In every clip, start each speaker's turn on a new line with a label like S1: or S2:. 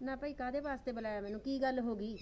S1: ਨਾ ਭਾਈ ਕਾਦੇ ਵਾਸਤੇ ਬੁਲਾਇਆ ਮੈਨੂੰ? ਕੀ ਗੱਲ ਹੋ ਗਈ?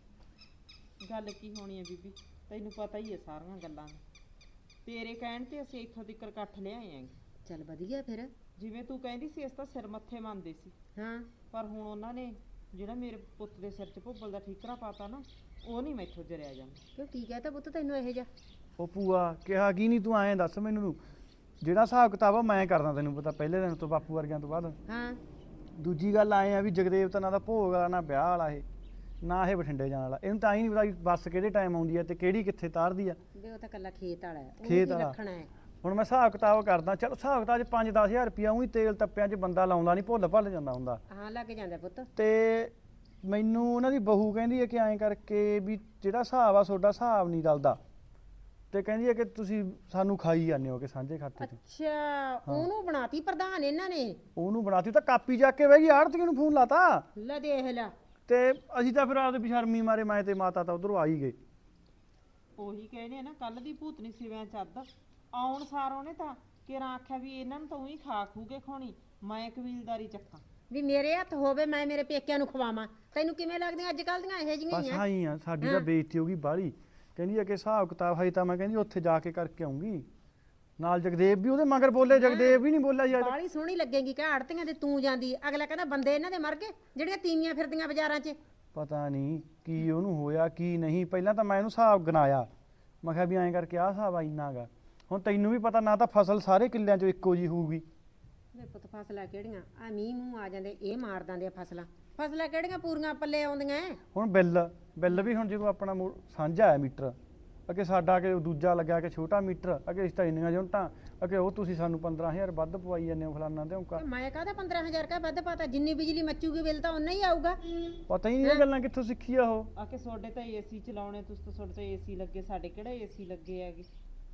S2: ਗੱਲ ਕੀ ਹੋਣੀ ਹੈ ਬੀਬੀ, ਤੈਨੂੰ ਪਤਾ ਹੀ ਹੈ ਸਾਰੀਆਂ ਗੱਲਾਂ ਦਾ। ਤੇਰੇ ਕਹਿਣ ਤੇ ਅਸੀਂ ਇੱਥੋਂ ਤੱਕ ਇਕੱਠ ਲਿਆਏ ਆਂ।
S1: ਚੱਲ ਵਧੀਆ ਫਿਰ।
S2: ਜਿਵੇਂ ਤੂੰ ਕਹਿੰਦੀ ਸੀ ਇਸ ਤਾਂ ਸਿਰ ਮੱਥੇ ਮੰਨਦੇ ਸੀ,
S1: ਹਾਂ
S2: ਪਰ ਹੁਣ ਉਹਨਾਂ ਨੇ ਜਿਹੜਾ ਮੇਰੇ ਪੁੱਤ ਦੇ ਸਿਰ 'ਚ ਭੁੱਬਲ ਦਾ ਠੀਕਰਾ ਪਾਤਾ ਨਾ, ਉਹ ਨਹੀਂ ਮੈਥੋਂ ਜਰਿਆ ਜਾਂਦਾ।
S1: ਕਿਉਂ ਕੀ ਕਹਤਾ ਪੁੱਤ ਤੈਨੂੰ ਇਹੋ ਜਿਹਾ?
S3: ਉਹ ਭੂਆ ਕਿਹਾ ਕੀ ਨਹੀਂ, ਤੂੰ ਐਂ ਦੱਸ ਮੈਨੂੰ ਜਿਹੜਾ ਹਿਸਾਬ ਕਿਤਾਬ ਆ ਮੈਂ ਕਰਦਾ, ਤੈਨੂੰ ਪਤਾ ਪਹਿਲੇ ਦਿਨ ਤੋਂ ਬਾਪੂ ਵਰਗਿਆਂ ਤੋਂ ਬਾਅਦ।
S1: ਹਾਂ
S3: ਦੂਜੀ ਗੱਲ ਆਏ ਆ ਵੀ ਜਗਦੇਵ ਤਾਂ ਨਾ ਦਾ ਭੋਗ ਵਾਲਾ ਨਾ ਵਿਆਹ ਵਾਲਾ, ਇਹ ਨਾ ਇਹ ਬਠਿੰਡੇ ਜਾਣ ਵਾਲਾ। ਇਹਨੂੰ ਤਾਂ ਹੀ ਨਹੀਂ ਪਤਾ ਵੀ ਬੱਸ ਕਿਹੜੇ ਟਾਈਮ ਆਉਂਦੀ ਆ ਤੇ ਕਿਹੜੀ ਕਿੱਥੇ ਤਾਰਦੀ ਆ।
S1: ਵੇ ਉਹ ਤਾਂ ਕੱਲਾ ਖੇਤ ਵਾਲਾ ਹੈ,
S3: ਖੇਤ
S1: ਉਹਨੂੰ ਕੀ
S3: ਵਾਲਾ।
S1: ਰੱਖਣਾ ਹੈ?
S3: ਹੁਣ ਮੈਂ ਹਿਸਾਬ ਕਿਤਾਬ ਕਰਦਾ, ਚਲ ਹਿਸਾਬ ਕਿਤਾਬ 'ਚ 5-10 ਹਜ਼ਾਰ ਰੁਪਇਆ ਉਹੀ ਤੇਲ ਤੱਪਿਆਂ 'ਚ ਬੰਦਾ ਲਾਉਂਦਾ ਨਹੀਂ, ਭੁੱਲ ਜਾਂਦਾ ਹੁੰਦਾ।
S1: ਹਾਂ ਲੱਗ ਜਾਂਦਾ ਪੁੱਤ।
S3: ਤੇ ਮੈਨੂੰ ਉਹਨਾਂ ਦੀ ਬਹੂ ਕਹਿੰਦੀ ਹੈ ਕਿ ਐਂ ਕਰਕੇ ਵੀ ਜਿਹੜਾ ਹਿਸਾਬ ਆ ਤੁਹਾਡਾ ਹਿਸਾਬ ਨਹੀਂ ਰਲਦਾ, ਤੇ ਕਹਿੰਦੀ ਹੈ ਕਿ ਤੁਸੀਂ ਸਾਨੂੰ ਖਾਈ ਜਾਂਦੇ ਹੋ ਕਿ ਸਾਂਝੇ ਖਾਤੇ 'ਚ।
S1: ਅੱਛਾ ਉਹਨੂੰ ਬਣਾਤੀ ਪ੍ਰਧਾਨ ਇਹਨਾਂ ਨੇ?
S3: ਉਹਨੂੰ ਬਣਾਤੀ ਤਾਂ ਕਾਪੀ ਚੱਕ ਕੇ ਬਹਿ ਗਈ, ਆੜਤੀਆਂ ਨੂੰ ਫੋਨ ਲਾਤਾ।
S1: ਲੈ ਦੇਖ ਲੈ।
S3: ਤੇ ਅਸੀਂ ਤਾਂ ਫਿਰ ਆਪਦੇ ਬਸ਼ਰਮੀ ਮਾਰੇ ਮੈਂ ਤੇ ਮਾਤਾ ਤਾਂ ਉਧਰੋਂ ਆ ਹੀ ਗਏ।
S2: ਉਹੀ ਕਹਿੰਦੇ ਆ ਨਾ, ਕੱਲ ਦੀ ਭੂਤਨੀ ਸਿਵਿਆਂ ਚੱਦ ਆਉਣ ਸਾਰ ਉਹਨੇ ਤਾਂ ਕਿਰਾਂ ਆਖਿਆ ਵੀ ਇਹਨਾਂ ਨੂੰ ਤਾਂ ਉਹੀ ਖਾ ਖੂ ਕੇ ਖਾਣੀ, ਮੈਂ ਕਬੀਲਦਾਰੀ ਚੱਕਾਂ।
S1: ਵੀ ਮੇਰੇ ਹੱਥ ਹੋਵੇ ਮੈਂ ਮੇਰੇ ਪੇਕਿਆਂ ਨੂੰ ਖਵਾਵਾਂ। ਤੈਨੂੰ ਕਿਵੇਂ ਲੱਗਦੀਆਂ ਅੱਜ ਕੱਲ ਦੀਆਂ ਇਹੋ ਜਿਹੀਆਂ
S3: ਬਸ
S1: ਹੀ ਆ?
S3: ਆਈ ਆ, ਸਾਡੀ ਤਾਂ ਬੇਇੱਜ਼ਤੀ ਹੋ ਗਈ ਬਾਹਲੀ। ਕਹਿੰਦੀ ਹੈ ਕਿ ਹਿਸਾਬ ਕਿਤਾਬ ਹੈ ਤਾਂ ਮੈਂ ਕਹਿੰਦੀ ਉੱਥੇ ਜਾ ਕੇ ਕਰਕੇ ਆਉਂਗੀ। ਨਾਲ ਜਗਦੇਵ ਵੀ ਉਹਦੇ ਮਗਰ ਬੋਲੇ, ਜਗਦੇਵ ਵੀ ਨਹੀਂ ਬੋਲਿਆ ਯਾਰ।
S1: ਬਾਲੀ ਸੋਹਣੀ ਲੱਗੇਗੀ ਕਿ ਆੜਤੀਆਂ ਦੇ ਤੂੰ ਜਾਂਦੀ। ਅਗਲਾ ਕਹਿੰਦਾ ਬੰਦੇ ਇਹਨਾਂ ਦੇ ਮਰ ਗਏ ਜਿਹੜੀਆਂ ਤੀਵੀਆਂ ਫਿਰਦੀਆਂ ਬਾਜ਼ਾਰਾਂ 'ਚ।
S3: ਪਤਾ ਨਹੀਂ ਕੀ ਉਹਨੂੰ ਹੋਇਆ ਕੀ ਨਹੀਂ। ਪਹਿਲਾਂ ਤਾਂ ਮੈਂ ਇਹਨੂੰ ਹਿਸਾਬ ਗਿਣਾਇਆ, ਮੈਂ ਕਿਹਾ ਵੀ ਐਂ ਕਰਕੇ ਆਹ ਹਿਸਾਬ ਆ ਇੰਨਾ ਗਾ। ਹੁਣ ਤੈਨੂੰ ਵੀ ਪਤਾ ਨਾ ਤਾਂ ਫਸਲ ਸਾਰੇ ਕਿੱਲਿਆਂ 'ਚੋਂ ਇੱਕੋ ਜੀ ਹੋਊਗੀ।
S1: ਵੇ ਪੁੱਤ ਫਸਲਾਂ ਕਿਹੜੀਆਂ ਆ? ਮੀਂਹ ਮੂੰਹ ਆ ਜਾਂਦੇ ਇਹ ਮਾਰ ਦਿੰਦੇ ਆ ਫਸਲਾਂ। ਫਸਲਾਂ ਕਿਹੜੀਆਂ ਪੂਰੀਆਂ ਪੱਲੇ ਆਉਂਦੀਆਂ ਐ?
S3: ਹੁਣ ਬਿੱਲ ਵੀ ਹੁਣ ਜਦੋਂ ਆਪਣਾ ਸਾਂਝਾ ਹੈ ਮੀਟਰ, ਅੱਗੇ ਸਾਡਾ ਕਿ ਦੂਜਾ ਲੱਗਿਆ ਕਿ ਛੋਟਾ ਮੀਟਰ, ਅੱਗੇ ਇਸ ਤਾਂ ਇੰਨੀਆਂ ਯੂਨਿਟਾਂ, ਅੱਗੇ ਉਹ ਤੁਸੀਂ ਸਾਨੂੰ 15,000 ਵੱਧ ਪਵਾਈ ਜਾਂਦੇ ਹੋ ਫਲਾਨਾ ਤੇ ਔਂਕਾ।
S1: ਤੇ ਮੈਂ ਕਹਦਾ 15,000 ਕਾ ਵੱਧ ਪਾਤਾ? ਜਿੰਨੀ ਬਿਜਲੀ ਮੱਚੂਗੀ ਬਿੱਲ ਤਾਂ ਉਨਾ ਹੀ ਆਊਗਾ।
S3: ਪਤਾ ਹੀ ਨਹੀਂ ਇਹ ਗੱਲਾਂ ਕਿੱਥੋਂ ਸਿੱਖੀ ਆ ਉਹ।
S2: ਆ ਕੇ ਤੁਹਾਡੇ ਤਾਂ ਏਸੀ ਚਲਾਉਣੇ, ਤੁਸੀਂ ਤਾਂ ਤੁਹਾਡੇ ਤਾਂ ਏਸੀ ਲੱਗੇ, ਸਾਡੇ ਕਿਹੜਾ ਏਸੀ ਲੱਗੇ ਹੈਗੇ।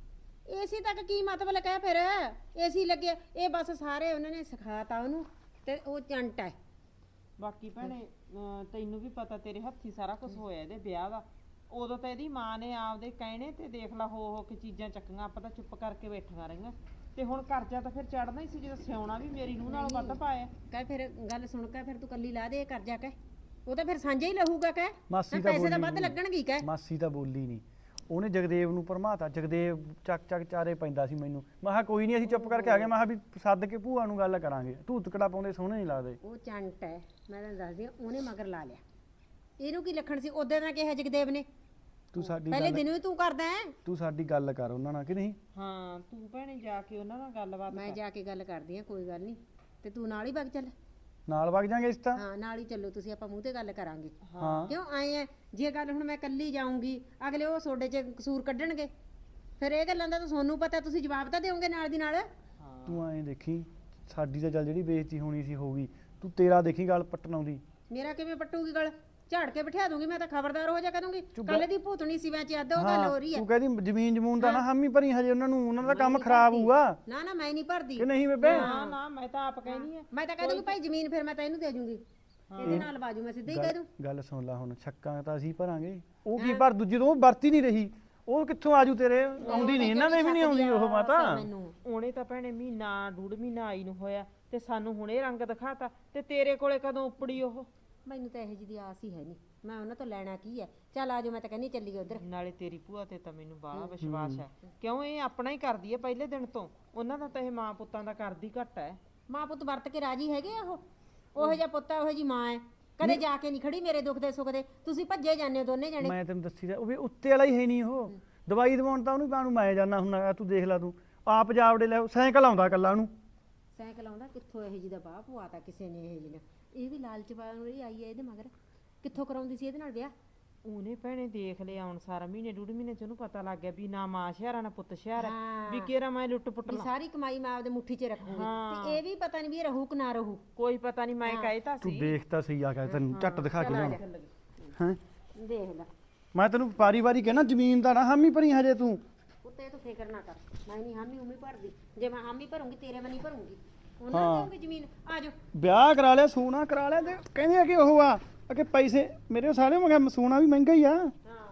S1: ਏਸੀ ਤੱਕ ਕੀ ਮਤਲਬ ਕਹਿ ਫਿਰ? ਏਸੀ ਲੱਗੇ ਇਹ ਬਸ ਸਾਰੇ ਉਹਨਾਂ ਨੇ ਸਿਖਾਤਾ ਉਹਨੂੰ, ਤੇ ਉਹ ਚੰਟ ਹੈ।
S2: ਬਾਕੀ ਭੈਣੇ ਤੈਨੂੰ ਵੀ ਪਤਾ ਤੇਰੇ ਹੱਥੀ ਸਾਰਾ ਕੁਝ ਹੋਇਆ ਇਹਦੇ ਵਿਆਹ ਦਾ। ਉਦੋਂ ਤਾਂ ਇਹਦੀ ਮਾਂ ਨੇ ਆਪਦੇ ਕਹਿਣੇ ਤੇ ਦੇਖ ਲਾ ਹੋ ਕੇ ਚੀਜ਼ਾਂ ਚੱਕੀਆਂ, ਆਪਾਂ ਤਾਂ ਚੁੱਪ ਕਰਕੇ ਬੈਠੀਆਂ ਰਹੀਆਂ। ਤੇ ਹੁਣ ਕਰਜ਼ਾ ਤਾਂ ਫਿਰ ਚੜਨਾ ਹੀ ਸੀ, ਜਦੋਂ ਸਿਆਉਣਾ ਵੀ ਮੇਰੀ ਨੂੰਹ ਨਾਲੋਂ ਵੱਧ ਪਾਇਆ।
S1: ਕਹਿ ਫਿਰ ਗੱਲ ਸੁਣ ਕੇ ਫਿਰ ਤੂੰ ਕੱਲੀ ਲਾ ਦੇ ਕਰਜ਼ਾ। ਕਹਿ ਉਹ ਤਾਂ ਫਿਰ ਸਾਂਝਾ ਹੀ ਲਹੂਗਾ। ਕਹਿ
S3: ਮਾਸੀ ਤਾਂ
S1: ਪੈਸੇ ਤਾਂ
S3: ਬੋਲੀ
S1: ਵੱਧ
S3: ਨੀ।
S1: ਲੱਗਣਗੇ। ਕਹਿ
S3: ਮਾਸੀ ਤਾਂ ਬੋਲੀ ਨਹੀਂ, ਉਹਨੇ ਜਗਦੇਵ ਨੂੰ ਭਰਮਾਤਾ। ਜਗਦੇਵ ਚੱਕ ਚਾਰੇ ਪੈਂਦਾ ਸੀ ਮੈਨੂੰ। ਮੈਂ ਕਿਹਾ ਕੋਈ ਨਹੀਂ ਅਸੀਂ ਚੁੱਪ ਕਰਕੇ ਆ ਗਏ। ਮੈਂ ਕਿਹਾ ਵੀ ਸੱਦ ਕੇ ਭੂਆ ਨੂੰ ਗੱਲ ਕਰਾਂਗੇ, ਧੂਤਕੜਾ ਪਾਉਂਦੇ ਸੋਹਣੇ ਨਹੀਂ ਲੱਗਦੇ।
S1: ਉਹ ਚੰਟ ਹੈ, ਮੈਂ ਤੈਨੂੰ ਦੱਸਦੀ ਹਾਂ। ਉਹਨੇ ਮਗਰ ਲਾ ਲਿਆ। ਇਹਨੂੰ ਕੀ ਲੱਖਣ ਸੀ? ਉਦੋਂ ਦਾ ਕਿਹਾ ਜਗਦੇਵ ਨੇ
S3: ਤੂੰ ਸਾਡੀ
S1: ਪਹਿਲੇ
S3: ਗੱਲ
S1: ਦਿਨ ਵੀ ਤੂੰ ਕਰਦਾ ਹੈ।
S3: ਤੂੰ ਸਾਡੀ ਗੱਲ ਕਰ ਉਹਨਾਂ ਨਾਲ ਕਿ ਨਹੀਂ।
S2: ਹਾਂ ਤੂੰ ਭੈਣੇ ਜਾ ਕੇ ਉਹਨਾਂ ਨਾਲ ਗੱਲਬਾਤ
S1: ਮੈਂ
S2: ਕਰ।
S1: ਜਾ ਕੇ ਗੱਲ ਕਰਦੀ ਹਾਂ, ਕੋਈ ਗੱਲ ਨਹੀਂ। ਤੇ ਤੂੰ ਨਾਲ ਹੀ ਵਗ ਚੱਲ।
S3: ਨਾਲ ਵਗ ਜਾਾਂਗੇ ਇਸ ਤਾਂ।
S1: ਹਾਂ ਨਾਲ ਹੀ ਚੱਲੋ ਤੁਸੀਂ, ਆਪਾਂ ਮੂੰਹ ਤੇ ਗੱਲ ਕਰਾਂਗੇ।
S3: ਹਾਂ
S1: ਕਿਉਂ ਆਏ ਆ? ਜੇ ਗੱਲ ਹੁਣ ਮੈਂ ਕੱਲੀ ਜਾਊਂਗੀ, ਅਗਲੇ ਉਹ ਤੁਹਾਡੇ 'ਚ ਕਸੂਰ ਕੱਢਣਗੇ। ਫਿਰ ਇਹ ਗੱਲਾਂ ਦਾ ਤਾਂ ਤੁਹਾਨੂੰ ਪਤਾ, ਤੁਸੀਂ ਜਵਾਬ ਤਾਂ ਦਿਓਗੇ ਨਾਲ ਦੀ ਨਾਲ।
S2: ਹਾਂ
S3: ਤੂੰ ਐਂ ਦੇਖੀ, ਸਾਡੀ ਤਾਂ ਚੱਲ ਜਿਹੜੀ ਬੇਇੱਜ਼ਤੀ ਹੋਣੀ ਸੀ ਹੋ ਗਈ, ਤੂੰ ਤੇਰਾ ਦੇਖੀ ਗੱਲ ਪੱਟਣ ਆਉਂਦੀ।
S1: ਮੇਰਾ ਕਿਵੇਂ ਪੱਟੂਗੀ ਗੱਲ? ਝਾੜ ਕੇ ਬਿਠਾ ਦੂੰਗੀ ਮੈਂ ਤਾਂ, ਖਬਰਦਾਰ ਹੋ ਜਾ ਕਰੂੰਗੀ।
S3: ਚੁੱਪ।
S1: ਕੱਲ ਦੀ ਭੂਤਣੀ ਸੀ ਵਿੱਚ ਅੱਧ ਉਹ ਗੱਲ ਹੋ ਰਹੀ ਹੈ।
S3: ਤੂੰ ਕਹਿੰਦੀ ਜ਼ਮੀਨ ਜਮੂਨ ਦਾ ਨਾ ਹਾਮੀ ਭਰੀ ਹਜੇ ਉਹਨਾਂ ਨੂੰ, ਉਹਨਾਂ ਦਾ ਕੰਮ ਖਰਾਬ ਹੋਊਗਾ
S1: ਨਾ ਨਾ ਮੈਂ ਨਹੀਂ ਭਰਦੀ।
S3: ਕਿ ਨਹੀਂ ਬੇਬੇ।
S2: ਨਾ ਨਾ ਮੈਂ ਤਾਂ ਆਪ ਕਹਿਨੀ ਆ।
S1: ਮੈਂ ਤਾਂ ਕਹਿ ਦੂੰਗੀ ਭਾਈ ਜ਼ਮੀਨ ਫਿਰ ਮੈਂ ਤਾਂ ਇਹਨੂੰ ਦੇ ਜੂੰਗੀ, ਇਹਦੇ ਨਾਲ ਬਾਜੂ ਮੈਂ ਸਿੱਧਾ ਹੀ ਕਹਿ ਦੂੰ।
S3: ਗੱਲ ਸੁਣ ਲੈ ਹੁਣ, ਛੱਕਾਂ ਤਾਂ ਅਸੀਂ ਭਰਾਂਗੇ, ਉਹ ਕੀ ਭਰ ਦੂਜੀ ਤੋਂ ਵਰਤੀ ਨਹੀਂ ਰਹੀ, ਉਹ ਕਿੱਥੋਂ ਆਜੂ ਤੇਰੇ? ਆਉਂਦੀ ਨਹੀਂ, ਇਹਨਾਂ ਦੇ ਵੀ ਨਹੀਂ ਆਉਂਦੀ ਉਹ ਮਾਤਾ।
S1: ਮੈਨੂੰ
S2: ਉਹਨੇ ਤਾਂ ਭੈਣੇ ਮਹੀਨਾ ਡੂਢ ਮਹੀਨਾ ਆਈ ਨੂੰ ਹੋਇਆ, ਤੇ ਸਾਨੂੰ ਹੁਣੇ ਰੰਗ ਦਿਖਾਤਾ, ਤੇ ਤੇਰੇ ਕੋਲੇ ਕਦੋਂ ਉੱਪੜੀ ਉਹ?
S1: ਮੈਨੂੰ ਤਾਂ ਇਹੋ ਜਿਹੀ ਦੀ ਆਸ ਹੀ ਹੈ ਨਹੀਂ। ਮੈਂ ਉਹਨਾਂ ਤੋਂ ਲੈਣਾ ਕੀ ਹੈ? ਚੱਲ ਆਜੋ, ਮੈਂ ਤਾਂ ਕਹਿੰਦੀ ਚੱਲੀਏ ਉਧਰ।
S2: ਨਾਲੇ ਤੇਰੀ ਭੂਆ ਤੇ ਤਾਂ ਮੈਨੂੰ ਬਾਹਲਾ ਵਿਸ਼ਵਾਸ ਹੈ, ਕਿਉਂ ਇਹ ਆਪਣਾ ਹੀ ਕਰਦੀ ਹੈ ਪਹਿਲੇ ਦਿਨ ਤੋਂ। ਉਹਨਾਂ ਦਾ ਤਾਂ ਇਹ ਮਾਂ ਪੁੱਤਾਂ ਦਾ ਕਰਦੀ ਘੱਟ ਹੈ।
S1: ਮਾਂ ਪੁੱਤ ਵਰਤ ਕੇ ਰਾਜੀ ਹੈਗੇ ਆ ਉਹ? ਉਹੋ ਜਿਹਾ ਪੁੱਤ ਉਹੋ ਜੀ ਮਾਂ ਹੈ, ਕਦੇ ਜਾ ਕੇ ਨਹੀਂ ਖੜੀ ਮੇਰੇ ਦੁੱਖ ਦੇ ਸੁੱਖ ਦੇ। ਤੁਸੀਂ ਭੱਜੇ ਜਾਂਦੇ ਹੋ ਦੋਨੇ ਜਣੇ।
S3: ਮੈਂ ਤੈਨੂੰ ਦੱਸੀ ਦਾ, ਉਹ ਵੀ ਉੱਤੇ ਵਾਲਾ ਹੀ ਹੈ ਨਹੀਂ ਉਹ। ਦਵਾਈ ਦਵਾਉਣ ਤਾਂ ਉਹਨੂੰ ਕਾਹਨੂੰ ਮੈਂ ਜਾਣਾ ਹੁੰਦਾ। ਤੂੰ ਦੇਖ ਲੈ, ਤੂੰ ਆਪ ਜਾਵੜੇ ਲੈ, ਸਾਈਕਲ ਆਉਂਦਾ ਕੱਲਾ ਉਹਨੂੰ।
S1: ਸਾਈਕਲ ਆਉਂਦਾ ਕਿੱਥੋਂ? ਇਹੋ ਜਿਹੀ ਦਾ ਬਾਹ ਪਵਾਤਾ ਕਿਸੇ ਨੇ ਇਹੋ ਜਿਹੀ ਨੇ। ਇਹ ਵੀ ਲਾਲਚ ਪਾਉਣ ਵਾਲੀ ਆਈ ਹੈ ਇਹਦੇ ਮਗਰ। ਕਿੱਥੋਂ ਕਰਾਉਂਦੀ ਸੀ ਇਹਦੇ ਨਾਲ ਵਿਆਹ?
S2: ਉਹਨੇ ਭੈਣੇ ਦੇਖ ਲਿਆ ਹੁਣ ਸਾਰਾ ਮਹੀਨੇ ਡੂਢ ਮਹੀਨੇ ਚ ਉਹਨੂੰ ਪਤਾ ਲੱਗ ਗਿਆ ਵੀ ਨਾ ਮਾਂ ਸ਼ਹਿਰਾ ਨਾ ਪੁੱਤ ਸ਼ਹਿਰਾ, ਵੀ ਕਿਹੜਾ ਮੈਂ ਲੁੱਟ ਪੁੱਟ
S1: ਵੀ
S2: ਲਾ।
S1: ਸਾਰੀ ਕਮਾਈ ਮੈਂ ਆਪਦੇ ਮੁੱਠੀ 'ਚ ਰੱਖੂਗੀ।
S2: ਹਾਂ।
S1: ਤੇ ਇਹ ਵੀ ਪਤਾ ਨਹੀਂ ਵੀ ਇਹ ਰਹੂ ਕਿ ਨਾ ਰਹੂ।
S2: ਕੋਈ ਪਤਾ ਨਹੀਂ, ਮੈਂ ਕਹਿਤਾ
S3: ਤੂੰ
S2: ਸੀ।
S3: ਦੇਖ ਤਾਂ ਸਹੀ ਆ ਕੇ ਤੈਨੂੰ ਝੱਟ ਦਿਖਾ ਕੇ ਲਿਆਉਂ। ਹੈਂ
S1: ਦੇਖ ਲੈ
S3: ਮੈਂ ਤੈਨੂੰ ਵਾਰੀ ਕਹਿਣਾ ਜ਼ਮੀਨ ਦਾ ਨਾ ਹਾਮੀ ਭਰੀ ਹਜੇ ਤੂੰ।
S1: ਉੱਤੇ ਤੂੰ ਫਿਕਰ ਨਾ ਕਰ, ਮੈਂ ਨਹੀਂ ਹਾਮੀ ਉਮੀ ਭਰਦੀ। ਜੇ ਮੈਂ ਹਾਮੀ ਭਰੂੰਗੀ ਤੇਰੇ ਮੈਂ ਨਹੀਂ ਭਰੂੰਗੀ। ਉਹਨਾਂ ਨੂੰ ਦੇਊਂਗੀ ਜ਼ਮੀਨ। ਆਜੋ
S3: ਵਿਆਹ ਕਰਾ ਲਿਆ, ਸੋਨਾ ਕਰਾ ਲਿਆ, ਤੇ ਕਹਿੰਦੇ ਆ ਕਿ ਉਹ ਆ ਕਿ ਪੈਸੇ ਮੇਰੇ ਸਾਰੇ। ਮੈਂ ਕਿਹਾ ਸੋਨਾ ਵੀ ਮਹਿੰਗਾ ਹੀ ਆ।
S1: ਹਾਂ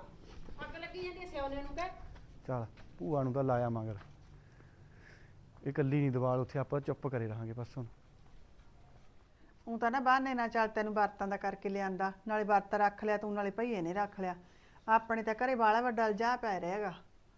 S1: ਅੱਗ ਲੱਗੀ ਜਾਂਦੀ ਹੈ ਸਿਆਉਣੇ ਨੂੰ। ਕਹਿ
S3: ਚੱਲ ਭੂਆ ਨੂੰ ਤਾਂ ਲਾਇਆ ਮਗਰ, ਇਹ ਇਕੱਲੀ ਨਹੀਂ ਦਵਾਲ ਉੱਥੇ, ਆਪਾਂ ਚੁੱਪ ਕਰੇ ਰਹਾਂਗੇ ਬਸ ਹੁਣ।
S4: ਉਹ ਤਾਂ ਨਾ ਬਹਾਨੇ ਨਾਲ ਚੱਲ ਤੈਨੂੰ ਵਰਤਾਂ ਦਾ ਕਰਕੇ ਲਿਆਂਦਾ, ਨਾਲੇ ਵਰਤ ਰੱਖ ਲਿਆ ਤੂੰ, ਨਾਲੇ ਭਈਏ ਨੇ ਰੱਖ ਲਿਆ। ਆਪਣੇ ਤਾਂ ਘਰੇ ਬਾਲਾ ਵੱਡਾ ਅਲਜਾ ਪੈ ਰਿਹਾਗਾ।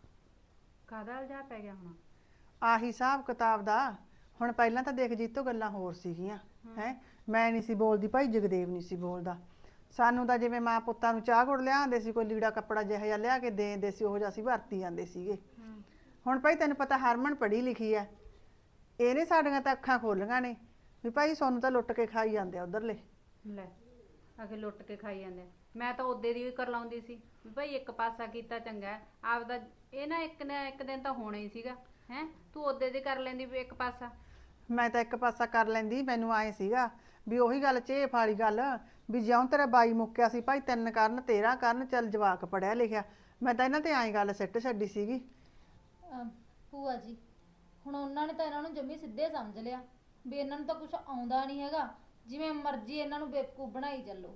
S5: ਕਾਹਦਾ ਇਲਜ਼ਾਮ ਪੈ ਗਿਆ ਹੁਣ?
S4: ਆਹੀ ਹਿਸਾਬ ਕਿਤਾਬ ਦਾ। ਹੁਣ ਪਹਿਲਾਂ ਤਾਂ ਦੇਖ ਜੀਤੋ ਗੱਲਾਂ ਹੋਰ ਸੀਗੀਆਂ ਹੈ, ਮੈਂ ਨਹੀਂ ਸੀ ਬੋਲਦੀ, ਭਾਈ ਜਗਦੇਵ ਨਹੀਂ ਸੀ ਬੋਲਦਾ। ਸਾਨੂੰ ਤਾਂ ਜਿਵੇਂ ਮਾਂ ਪੁੱਤਾਂ ਨੂੰ ਚਾਹ ਗੁੜ ਲਿਆਉਂਦੇ ਸੀ, ਕੋਈ ਲੀੜਾ ਕੱਪੜਾ ਜਿਹਾ ਜਿਹਾ ਲਿਆ ਕੇ ਦੇ ਦਿੰਦੇ ਸੀ, ਉਹੋ ਜਿਹਾ ਅਸੀਂ ਵਰਤੀ ਜਾਂਦੇ ਸੀਗੇ। ਹੁਣ ਭਾਈ ਤੈਨੂੰ ਪਤਾ ਹਰਮਨ ਪੜ੍ਹੀ ਲਿਖੀ ਐ, ਇਹਨੇ ਸਾਡੀਆਂ ਤਾਂ ਅੱਖਾਂ ਖੋਲੀਆਂ ਨੇ ਵੀ ਭਾਈ ਸਾਨੂੰ ਤਾਂ ਲੁੱਟ ਕੇ ਖਾਈ ਜਾਂਦੇ ਆ ਉਧਰਲੇ।
S5: ਲੈ ਆਖੇ ਲੁੱਟ ਕੇ ਖਾਈ ਜਾਂਦੇ ਆ। ਮੈਂ ਤਾਂ ਉਹਦੇ ਦੀ ਵੀ ਕਰ ਲਾਉਂਦੀ ਸੀ ਵੀ ਭਾਈ ਇੱਕ ਪਾਸਾ ਕੀਤਾ ਚੰਗਾ ਹੈ। ਆਪਦਾ ਇਹ ਨਾ ਇੱਕ ਦਿਨ ਤਾਂ ਹੋਣਾ ਹੀ ਸੀਗਾ ਹੈ। ਤੂੰ ਉਹਦੇ ਦੀ ਕਰ ਲੈਂਦੀ ਵੀ ਇੱਕ ਪਾਸਾ।
S4: ਮੈਂ ਤਾਂ ਇੱਕ ਪਾਸਾ ਕਰ ਲੈਂਦੀ, ਮੈਨੂੰ ਆਏ ਸੀਗਾ ਵੀ ਉਹੀ ਗੱਲ ਚੇਪ ਵਾਲੀ ਗੱਲ ਵੀ ਜਿਉਂ ਤੇਰਾ ਬਾਈ ਮੁੱਕਿਆ ਸੀ ਭਾਈ 3 ਕਰਨ 13 ਕਰਨ, ਚੱਲ ਜਵਾਕ ਪੜਿਆ ਲਿਖਿਆ। ਮੈਂ ਤਾਂ ਇਹਨਾਂ ਤੇ ਆਈ ਗੱਲ ਸਿੱਟ ਛੱਡੀ ਸੀਗੀ।
S6: ਭੂਆ ਜੀ ਹੁਣ ਉਹਨਾਂ ਨੇ ਤਾਂ ਇਹਨਾਂ ਨੂੰ ਜੰਮੀ ਸਿੱਧੇ ਸਮਝ ਲਿਆ ਵੀ ਇਹਨਾਂ ਨੂੰ ਤਾਂ ਕੁਝ ਆਉਂਦਾ ਨਹੀਂ ਹੈਗਾ, ਜਿਵੇਂ ਮਰਜ਼ੀ ਇਹਨਾਂ ਨੂੰ ਬੇਵਕੂਫ ਬਣਾਈ ਚੱਲੋ।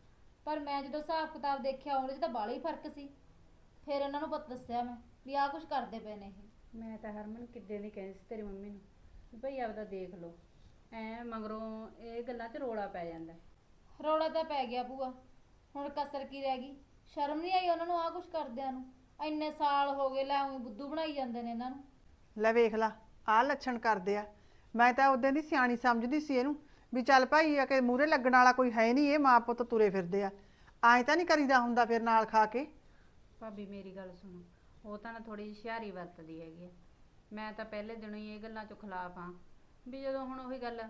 S6: ਪਰ ਮੈਂ ਜਦੋਂ ਹਿਸਾਬ ਕਿਤਾਬ ਦੇਖਿਆ ਉਹਦੇ 'ਚ ਤਾਂ ਬਾਲਾ ਹੀ ਫਰਕ ਸੀ। ਫਿਰ ਇਹਨਾਂ ਨੂੰ ਪਤਾ ਦੱਸਿਆ ਮੈਂ ਵੀ ਆਹ ਕੁਝ ਕਰਦੇ ਪਏ ਨੇ ਇਹ।
S5: ਮੈਂ ਤਾਂ ਹਰਮਨ ਕਿੱਦੇ ਦੀ ਕਹਿੰਦੀ ਸੀ ਤੇਰੀ ਮੰਮੀ ਨੂੰ ਵੀ ਭਾਈ ਆਪਦਾ ਦੇਖ ਲਓ, ਐ ਮਗਰੋਂ ਇਹ ਗੱਲਾਂ 'ਚ ਰੋਲਾ ਪੈ ਜਾਂਦਾ।
S6: ਰੌਲਾ ਤਾਂ ਪੈ ਗਿਆ ਭੂਆ, ਹੁਣ ਕਸਰ ਕੀ ਰਹਿ ਗਈ? ਸ਼ਰਮ ਨਹੀਂ ਆਈ ਉਹਨਾਂ ਨੂੰ ਆਹ ਕੁਝ ਕਰਦਿਆਂ ਨੂੰ? ਇੰਨੇ ਸਾਲ ਹੋ ਗਏ, ਲੈ ਉਂ ਬੁੱਧੂ ਬਣਾਈ ਜਾਂਦੇ ਨੇ ਇਹਨਾਂ ਨੂੰ।
S4: ਲੈ ਵੇਖ ਲਾ ਆਹ ਲੱਛਣ ਕਰਦੇ ਆ। ਮੈਂ ਤਾਂ ਉਦੋਂ ਦੀ ਸਿਆਣੀ ਸਮਝਦੀ ਸੀ ਇਹਨੂੰ ਵੀ ਚੱਲ ਭਾਈ ਆ ਕਿ ਮੂਹਰੇ ਲੱਗਣ ਵਾਲਾ ਕੋਈ ਹੈ ਨਹੀਂ, ਇਹ ਮਾਂ ਪੁੱਤ ਤੁਰੇ ਫਿਰਦੇ ਆ, ਐਂ ਤਾਂ ਨਹੀਂ ਕਰੀਦਾ ਹੁੰਦਾ ਫਿਰ ਨਾਲ ਖਾ ਕੇ।
S5: ਭਾਬੀ ਮੇਰੀ ਗੱਲ ਸੁਣੋ, ਉਹ ਤਾਂ ਨਾ ਥੋੜੀ ਜਿਹੀ ਹੁਸ਼ਿਆਰੀ ਵਰਤਦੀ ਹੈਗੀ ਆ। ਮੈਂ ਤਾਂ ਪਹਿਲੇ ਦਿਨੋਂ ਹੀ ਇਹ ਗੱਲਾਂ 'ਚੋਂ ਖਿਲਾਫ ਹਾਂ ਵੀ ਜਦੋਂ ਹੁਣ ਉਹੀ ਗੱਲ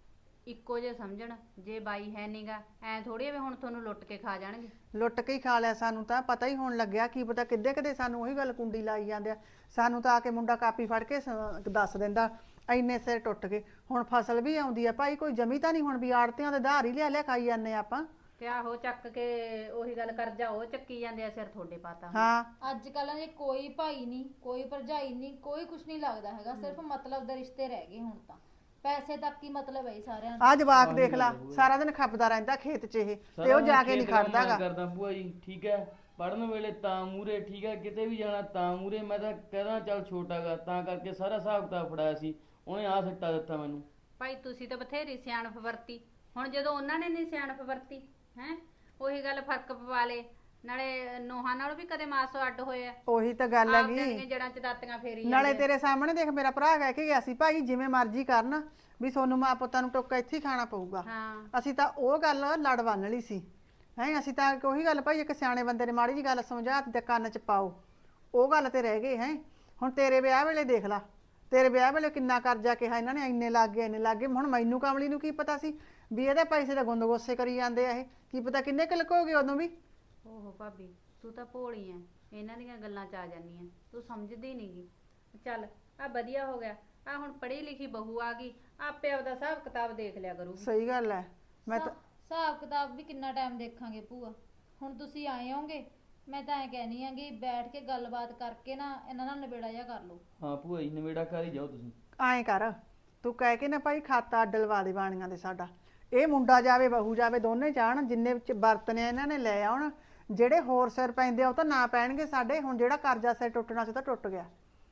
S5: ਇੱਕੋ ਜੇ ਸਮਝਣ, ਜੇ ਬਾਈ ਹੈ ਨੀਗਾ ਐ ਥੋੜੀ ਵੀ ਹੁਣ ਤੁਹਾਨੂੰ ਲੁੱਟ ਕੇ ਖਾ ਜਾਣਗੇ।
S4: ਲੁੱਟ ਕੇ ਹੀ ਖਾ ਲਿਆ, ਸਾਨੂੰ ਤਾਂ ਪਤਾ ਹੀ ਹੋਣ ਲੱਗਿਆ। ਕੀ ਪਤਾ ਕਿੱਦੇ ਕਿੱਦੇ ਸਾਨੂੰ ਉਹੀ ਗੱਲ ਕੁੰਡੀ ਲਾਈ ਜਾਂਦੇ ਆ। ਸਾਨੂੰ ਤਾਂ ਆ ਕੇ ਮੁੰਡਾ ਕਾਪੀ ਫੜ ਕੇ ਦੱਸ ਦਿੰਦਾ ਇੰਨੇ ਸਿਰ ਟੁੱਟ ਗਏ। ਹੁਣ ਫਸਲ ਵੀ ਆਉਂਦੀ ਆ ਭਾਈ, ਕੋਈ ਜਮੀ ਤਾਂ ਨਹੀਂ ਹੁਣ ਵੀ ਆੜਤਿਆਂ ਦੇ ਧਾਰ ਹੀ ਲਿਆ ਲਿਆ ਖਾਈ ਜਾਂਦੇ ਆ ਆਪਾਂ।
S5: ਤੇ ਆਹੋ ਚੱਕ ਕੇ ਉਹੀ ਗੱਲ ਕਰਜਾ ਉਹ ਚੱਕੀ ਜਾਂਦੇ ਆ, ਸਿਰ ਤੁਹਾਡੇ ਪਾਤਾ।
S4: ਹਾਂ
S6: ਅੱਜ ਕੱਲ੍ਹ ਜੇ ਕੋਈ ਭਾਈ ਨਹੀਂ, ਕੋਈ ਭਰਜਾਈ ਨਹੀਂ, ਕੋਈ ਕੁਝ ਨਹੀਂ ਲੱਗਦਾ ਹੈਗਾ, ਸਿਰਫ ਮਤਲਬ ਦੇ ਰਿਸ਼ਤੇ ਰਹਿ ਗਏ ਹੁਣ ਤਾਂ। ਪੈਸੇ ਤੱਕ ਹੀ ਮਤਲਬ ਹੈ ਸਾਰਿਆਂ ਨੂੰ।
S4: ਆ ਜਵਾਕ ਦੇਖ ਲਾ ਸਾਰਾ ਦਿਨ ਖੱਪਦਾ ਰਹਿੰਦਾ ਖੇਤ 'ਚ ਇਹ, ਤੇ ਉਹ ਜਾ ਕੇ ਨਹੀਂ ਖੜਦਾਗਾ।
S7: ਕਰਦਾ ਭੂਆ ਜੀ ਠੀਕ ਹੈ, ਪੜਨ ਵੇਲੇ ਤਾਂ ਮੂਰੇ ਠੀਕ ਹੈ, ਕਿਤੇ ਵੀ ਜਾਣਾ ਤਾਂ ਮੂਰੇ। ਮੈਂ ਤਾਂ ਕਹਿੰਦਾ ਚੱਲ ਛੋਟਾਗਾ ਤਾਂ ਕਰਕੇ ਸਾਰਾ ਹਿਸਾਬ ਕਿਤਾਬ ਫੜਾਇਆ ਸੀ, ਉਹਨੇ ਆ ਸੱਟਾ ਦਿੱਤਾ ਮੈਨੂੰ।
S5: ਭਾਈ ਤੁਸੀਂ ਤਾਂ ਬਥੇਰੀ ਸਿਆਣਪ ਵਰਤੀ, ਹੁਣ ਜਦੋਂ ਉਹਨਾਂ ਨੇ ਨਹੀਂ ਸਿਆਣਪ ਵਰਤੀ ਹੈ, ਉਹੀ ਗੱਲ ਫਰਕ ਪਵਾ ਲੇ। ਨਾਲੇ ਨੋਹਾਂ ਨਾਲ ਵੀ ਕਦੇ ਮਾਸੋ ਅੱਡ ਹੋਏ ਆ।
S4: ਉਹੀ ਤਾਂ ਗੱਲ
S5: ਆਪਦੀਆਂ
S4: ਹੈਗੀ।
S5: ਦੀਆਂ ਜੜਾਂ 'ਚ ਦਾਤੀਆਂ ਫੇਰੀ
S4: ਨਾਲੇ ਤੇਰੇ ਸਾਹਮਣੇ ਦੇਖ ਮੇਰਾ ਭਰਾ ਕਹਿ ਕੇ ਗਿਆ ਸੀ ਭਾਈ ਜਿਵੇਂ ਮਰਜ਼ੀ ਕਰਨ ਵੀ ਸੋਨੂੰ ਮਾਂ ਪੁੱਤਾਂ ਨੂੰ ਟੋਕਾ ਇੱਥੇ ਹੀ ਖਾਣਾ ਪਊਗਾ।
S5: ਹਾਂ
S4: ਅਸੀਂ ਤਾਂ ਉਹ ਗੱਲ ਲੜ ਬੰਨ ਲਈ ਸੀ ਹੈ। ਅਸੀਂ ਤਾਂ ਉਹੀ ਗੱਲ ਭਾਈ ਇੱਕ ਸਿਆਣੇ ਬੰਦੇ ਨੇ ਮਾੜੀ ਜੀ ਗੱਲ ਸਮਝਾਤੀ ਤੇ ਕੰਨ 'ਚ ਪਾਓ, ਉਹ ਗੱਲ ਤੇ ਰਹਿ ਗਏ ਹੈ। ਹੁਣ ਤੇਰੇ ਵਿਆਹ ਵੇਲੇ ਦੇਖ ਲਾ, ਤੇਰੇ ਵਿਆਹ ਵੇਲੇ ਕਿੰਨਾ ਕਰਜ਼ਾ ਕਿਹਾ ਇਹਨਾਂ ਨੇ, ਇੰਨੇ ਲੱਗ ਗਏ ਇੰਨੇ ਲੱਗ ਗਏ। ਹੁਣ ਮੈਨੂੰ ਕਮਲੀ ਨੂੰ ਕੀ ਪਤਾ ਸੀ ਵੀ ਇਹਦੇ ਪੈਸੇ ਦਾ ਗੁੰਦ ਗੋਸੇ ਕਰੀ ਜਾਂਦੇ ਆ ਇਹ, ਕੀ ਪਤਾ ਕਿੰਨੇ ਕੁ ਲੁਕੋਗੇ ਉਦੋਂ ਵੀ।
S5: ਓਹੋ ਭਾਬੀ ਤੂੰ ਤਾਂ ਭੋਲੀ ਐ, ਇਹਨਾਂ ਦੀਆਂ ਗੱਲਾਂ 'ਚ ਆ ਜਾਂਦੀ ਐ, ਤੂੰ ਸਮਝਦੀ ਨਹੀਂਗੀ। ਚੱਲ ਆ ਵਧੀਆ ਹੋ ਗਿਆ, ਆ ਹੁਣ ਪੜ੍ਹੀ ਲਿਖੀ ਬਹੂ ਆ ਗਈ, ਆਪੇ ਆਪਦਾ ਹਿਸਾਬ ਕਿਤਾਬ ਦੇਖ ਲਿਆ ਕਰੂਗੀ।
S4: ਸਹੀ ਗੱਲ ਹੈ। ਮੈਂ ਤਾਂ
S6: ਹਿਸਾਬ ਕਿਤਾਬ ਵੀ ਕਿੰਨਾ ਟਾਈਮ ਦੇਖਾਂਗੇ ਭੂਆ? ਹੁਣ ਤੁਸੀਂ ਆਏ ਹੋਗੇ, ਮੈਂ ਤਾਂ ਐ ਕਹਿਨੀ ਆ ਕਿ ਬੈਠ ਕੇ ਗੱਲਬਾਤ ਕਰਕੇ ਨਾ ਇਹਨਾਂ ਨਾਲ ਨਿਬੇੜਾ ਜਿਹਾ ਕਰ ਲਓ।
S7: ਹਾਂ ਭੂਆ ਜੀ ਨਵੇੜਾ ਕਰ ਹੀ ਜਾਓ ਤੁਸੀਂ।
S4: ਐਂ ਕਰ ਤੂੰ ਕਹਿ ਕੇ ਨਾ ਭਾਈ ਖਾਤਾ ਅੱਡ ਲਵਾ ਦੇ ਬਾਣੀਆਂ ਦੇ ਸਾਡਾ। ਇਹ ਮੁੰਡਾ ਜਾਵੇ ਬਹੂ ਜਾਵੇ ਦੋਨੇ ਜਾਣ, ਜਿੰਨੇ ਵਿੱਚ ਵਰਤਨੇ ਇਹਨਾਂ ਨੇ ਲੈ ਆਉਣ। ਜਿਹੜੇ ਹੋਰ ਸਿਰ ਪੈਂਦੇ ਆ ਉਹ ਤਾਂ ਨਾ ਪੈਣਗੇ ਸਾਡੇ। ਹੁਣ ਜਿਹੜਾ ਕਰਜ਼ਾ ਸਿਰ ਟੁੱਟਣਾ ਸੀ ਤਾਂ ਟੁੱਟ ਗਿਆ।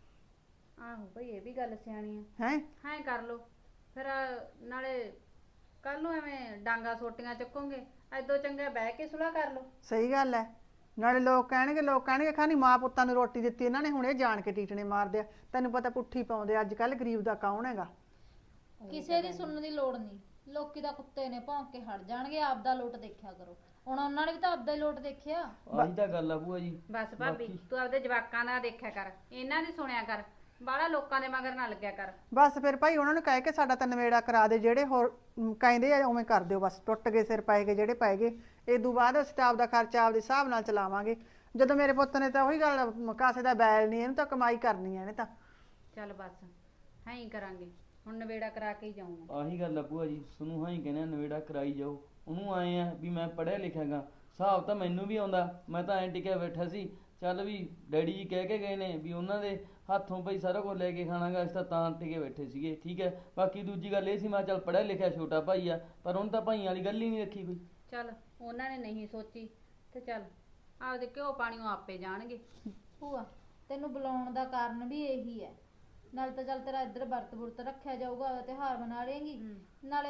S5: ਆਹੋ ਭਾਈ ਇਹ ਵੀ ਗੱਲ ਸਿਆਣੀ ਐ।
S4: ਹੈ
S5: ਹਾਂ ਕਰ ਲੋ ਫਿਰ, ਨਾਲੇ ਕੱਲ ਨੂੰ ਐਵੇਂ ਡਾਂਗਾ ਸੋਟੀਆਂ ਚੱਕੋਗੇ, ਐਦੋਂ ਚੰਗਾ ਬਹਿ ਕੇ ਸੁਲਾ ਕਰ ਲੋ।
S4: ਸਹੀ ਗੱਲ ਹੈ। ਨਾਲੇ ਲੋਕ ਕਹਿਣਗੇ ਖਾਨੀ ਮਾਂ ਪੁੱਤਾਂ ਨੂੰ ਰੋਟੀ ਦਿੱਤੀ ਇਹਨਾਂ ਨੇ, ਹੁਣ ਇਹ ਜਾਣ ਕੇ ਟੀਟਣੇ ਮਾਰਦੇ ਆ। ਤੈਨੂੰ ਪਤਾ ਪੁੱਠੀ ਪਾਉਂਦੇ ਅੱਜ ਕੱਲ, ਗਰੀਬ ਦਾ ਕੌਣ ਹੈਗਾ।
S6: ਕਿਸੇ ਦੀ ਸੁਣਨ ਦੀ ਲੋੜ ਨਹੀਂ, ਲੋਕੀ ਤਾਂ ਕੁੱਤੇ ਨੇ ਭੌਂਕ ਕੇ ਹਟ ਜਾਣਗੇ। ਆਪਦਾ ਲੋਟ ਦੇਖਿਆ ਕਰੋ। ਹੁਣ ਉਹਨਾਂ ਨੇ ਵੀ ਤਾਂ ਆਪਦਾ ਹੀ ਲੋਟ ਦੇਖਿਆ।
S7: ਆਹੀ ਤਾਂ ਗੱਲ ਆ ਭੂਆ ਜੀ।
S5: ਬਸ ਭਾਬੀ ਤੂੰ ਆਪਦੇ ਜਵਾਕਾਂ ਦਾ ਦੇਖਿਆ ਕਰ, ਇਹਨਾਂ ਦੀ ਸੁਣਿਆ ਕਰ, ਬਾਹਲਾ ਲੋਕਾਂ ਦੇ ਮਗਰ ਨਾ ਲੱਗਿਆ ਕਰ।
S4: ਬਸ ਫਿਰ ਭਾਈ ਉਹਨਾਂ ਨੂੰ ਕਹਿ ਕੇ ਸਾਡਾ ਤਾਂ ਨਵੇੜਾ ਕਰਾ ਦੇ। ਜਿਹੜੇ ਹੋਰ ਕਹਿੰਦੇ ਆ ਉਵੇਂ ਕਰ ਦਿਓ, ਬਸ ਟੁੱਟ ਗਏ ਸਿਰ ਪਏ ਗਏ ਜਿਹੜੇ ਪਏ ਗਏ। ਇਦੋਂ ਬਾਅਦ ਅਸੀਂ ਤਾਂ ਆਪਦਾ ਖਰਚਾ ਆਪਦੇ ਹਿਸਾਬ ਨਾਲ ਚਲਾਵਾਂਗੇ। ਜਦੋਂ ਮੇਰੇ ਪੁੱਤ ਨੇ ਤਾਂ ਉਹੀ ਗੱਲ, ਕਾਸੇ ਦਾ ਬੈਲ ਨਹੀਂ, ਇਹਨੂੰ ਤਾਂ ਕਮਾਈ ਕਰਨੀ ਹੈ ਇਹਨੇ ਤਾਂ।
S5: ਚੱਲ ਬਸ ਹਾਂ ਹੀ ਕਰਾਂਗੇ, ਹੁਣ ਨਵੇੜਾ ਕਰਾ ਕੇ ਹੀ ਜਾਊਂਗਾ।
S7: ਆਹੀ ਗੱਲ ਆ ਭੂਆ ਜੀ, ਤੁਹਾਨੂੰ ਹਾਂ ਹੀ ਕਹਿੰਦੇ ਨਵੇੜਾ ਕਰਾਈ ਜਾਓ। ਉਹਨੂੰ ਆਏ ਆ ਵੀ ਮੈਂ ਪੜ੍ਹਿਆ ਲਿਖਿਆਗਾ, ਹਿਸਾਬ ਤਾਂ ਮੈਨੂੰ ਵੀ ਆਉਂਦਾ। ਮੈਂ ਤਾਂ ਐਂ ਟਿਕਿਆ ਬੈਠਾ ਸੀ, ਚੱਲ ਵੀ ਡੈਡੀ ਜੀ ਕਹਿ ਕੇ ਗਏ ਨੇ ਵੀ ਉਹਨਾਂ ਦੇ ਹੱਥੋਂ ਭਾਈ ਸਾਰਾ ਕੁਝ ਲੈ ਕੇ ਖਾਣਾਗਾ, ਅਸੀਂ ਤਾਂ ਟਿਕੇ ਬੈਠੇ ਸੀਗੇ। ਠੀਕ ਹੈ, ਬਾਕੀ ਦੂਜੀ ਗੱਲ ਇਹ ਸੀ ਮੈਂ ਚੱਲ ਪੜ੍ਹਿਆ ਲਿਖਿਆ ਛੋਟਾ ਭਾਈ ਆ, ਪਰ ਉਹਨੇ ਤਾਂ ਭਾਈਆਂ ਵਾਲੀ ਗੱਲ ਹੀ ਨਹੀਂ ਰੱਖੀ ਕੋਈ।
S5: ਚੱਲ ਉਹਨਾਂ ਨੇ ਨਹੀਂ ਸੋਚੀ ਤੇ ਚੱਲ ਆਪਦੇ ਘਿਓ ਪਾਣੀਓ ਆਪੇ ਜਾਣਗੇ।
S6: ਭੂਆ ਤੈਨੂੰ ਬੁਲਾਉਣ ਦਾ ਕਾਰਨ ਵੀ ਇਹੀ ਹੈ। ਨਾਲ ਤਾਂ ਚੱਲ ਤੇਰਾ ਇੱਧਰ ਵਰਤ ਵੁਰਤ ਰੱਖਿਆ ਜਾਊਗਾ, ਤਿਉਹਾਰ ਮਨਾ ਲੇਂਗੀ, ਨਾਲੇ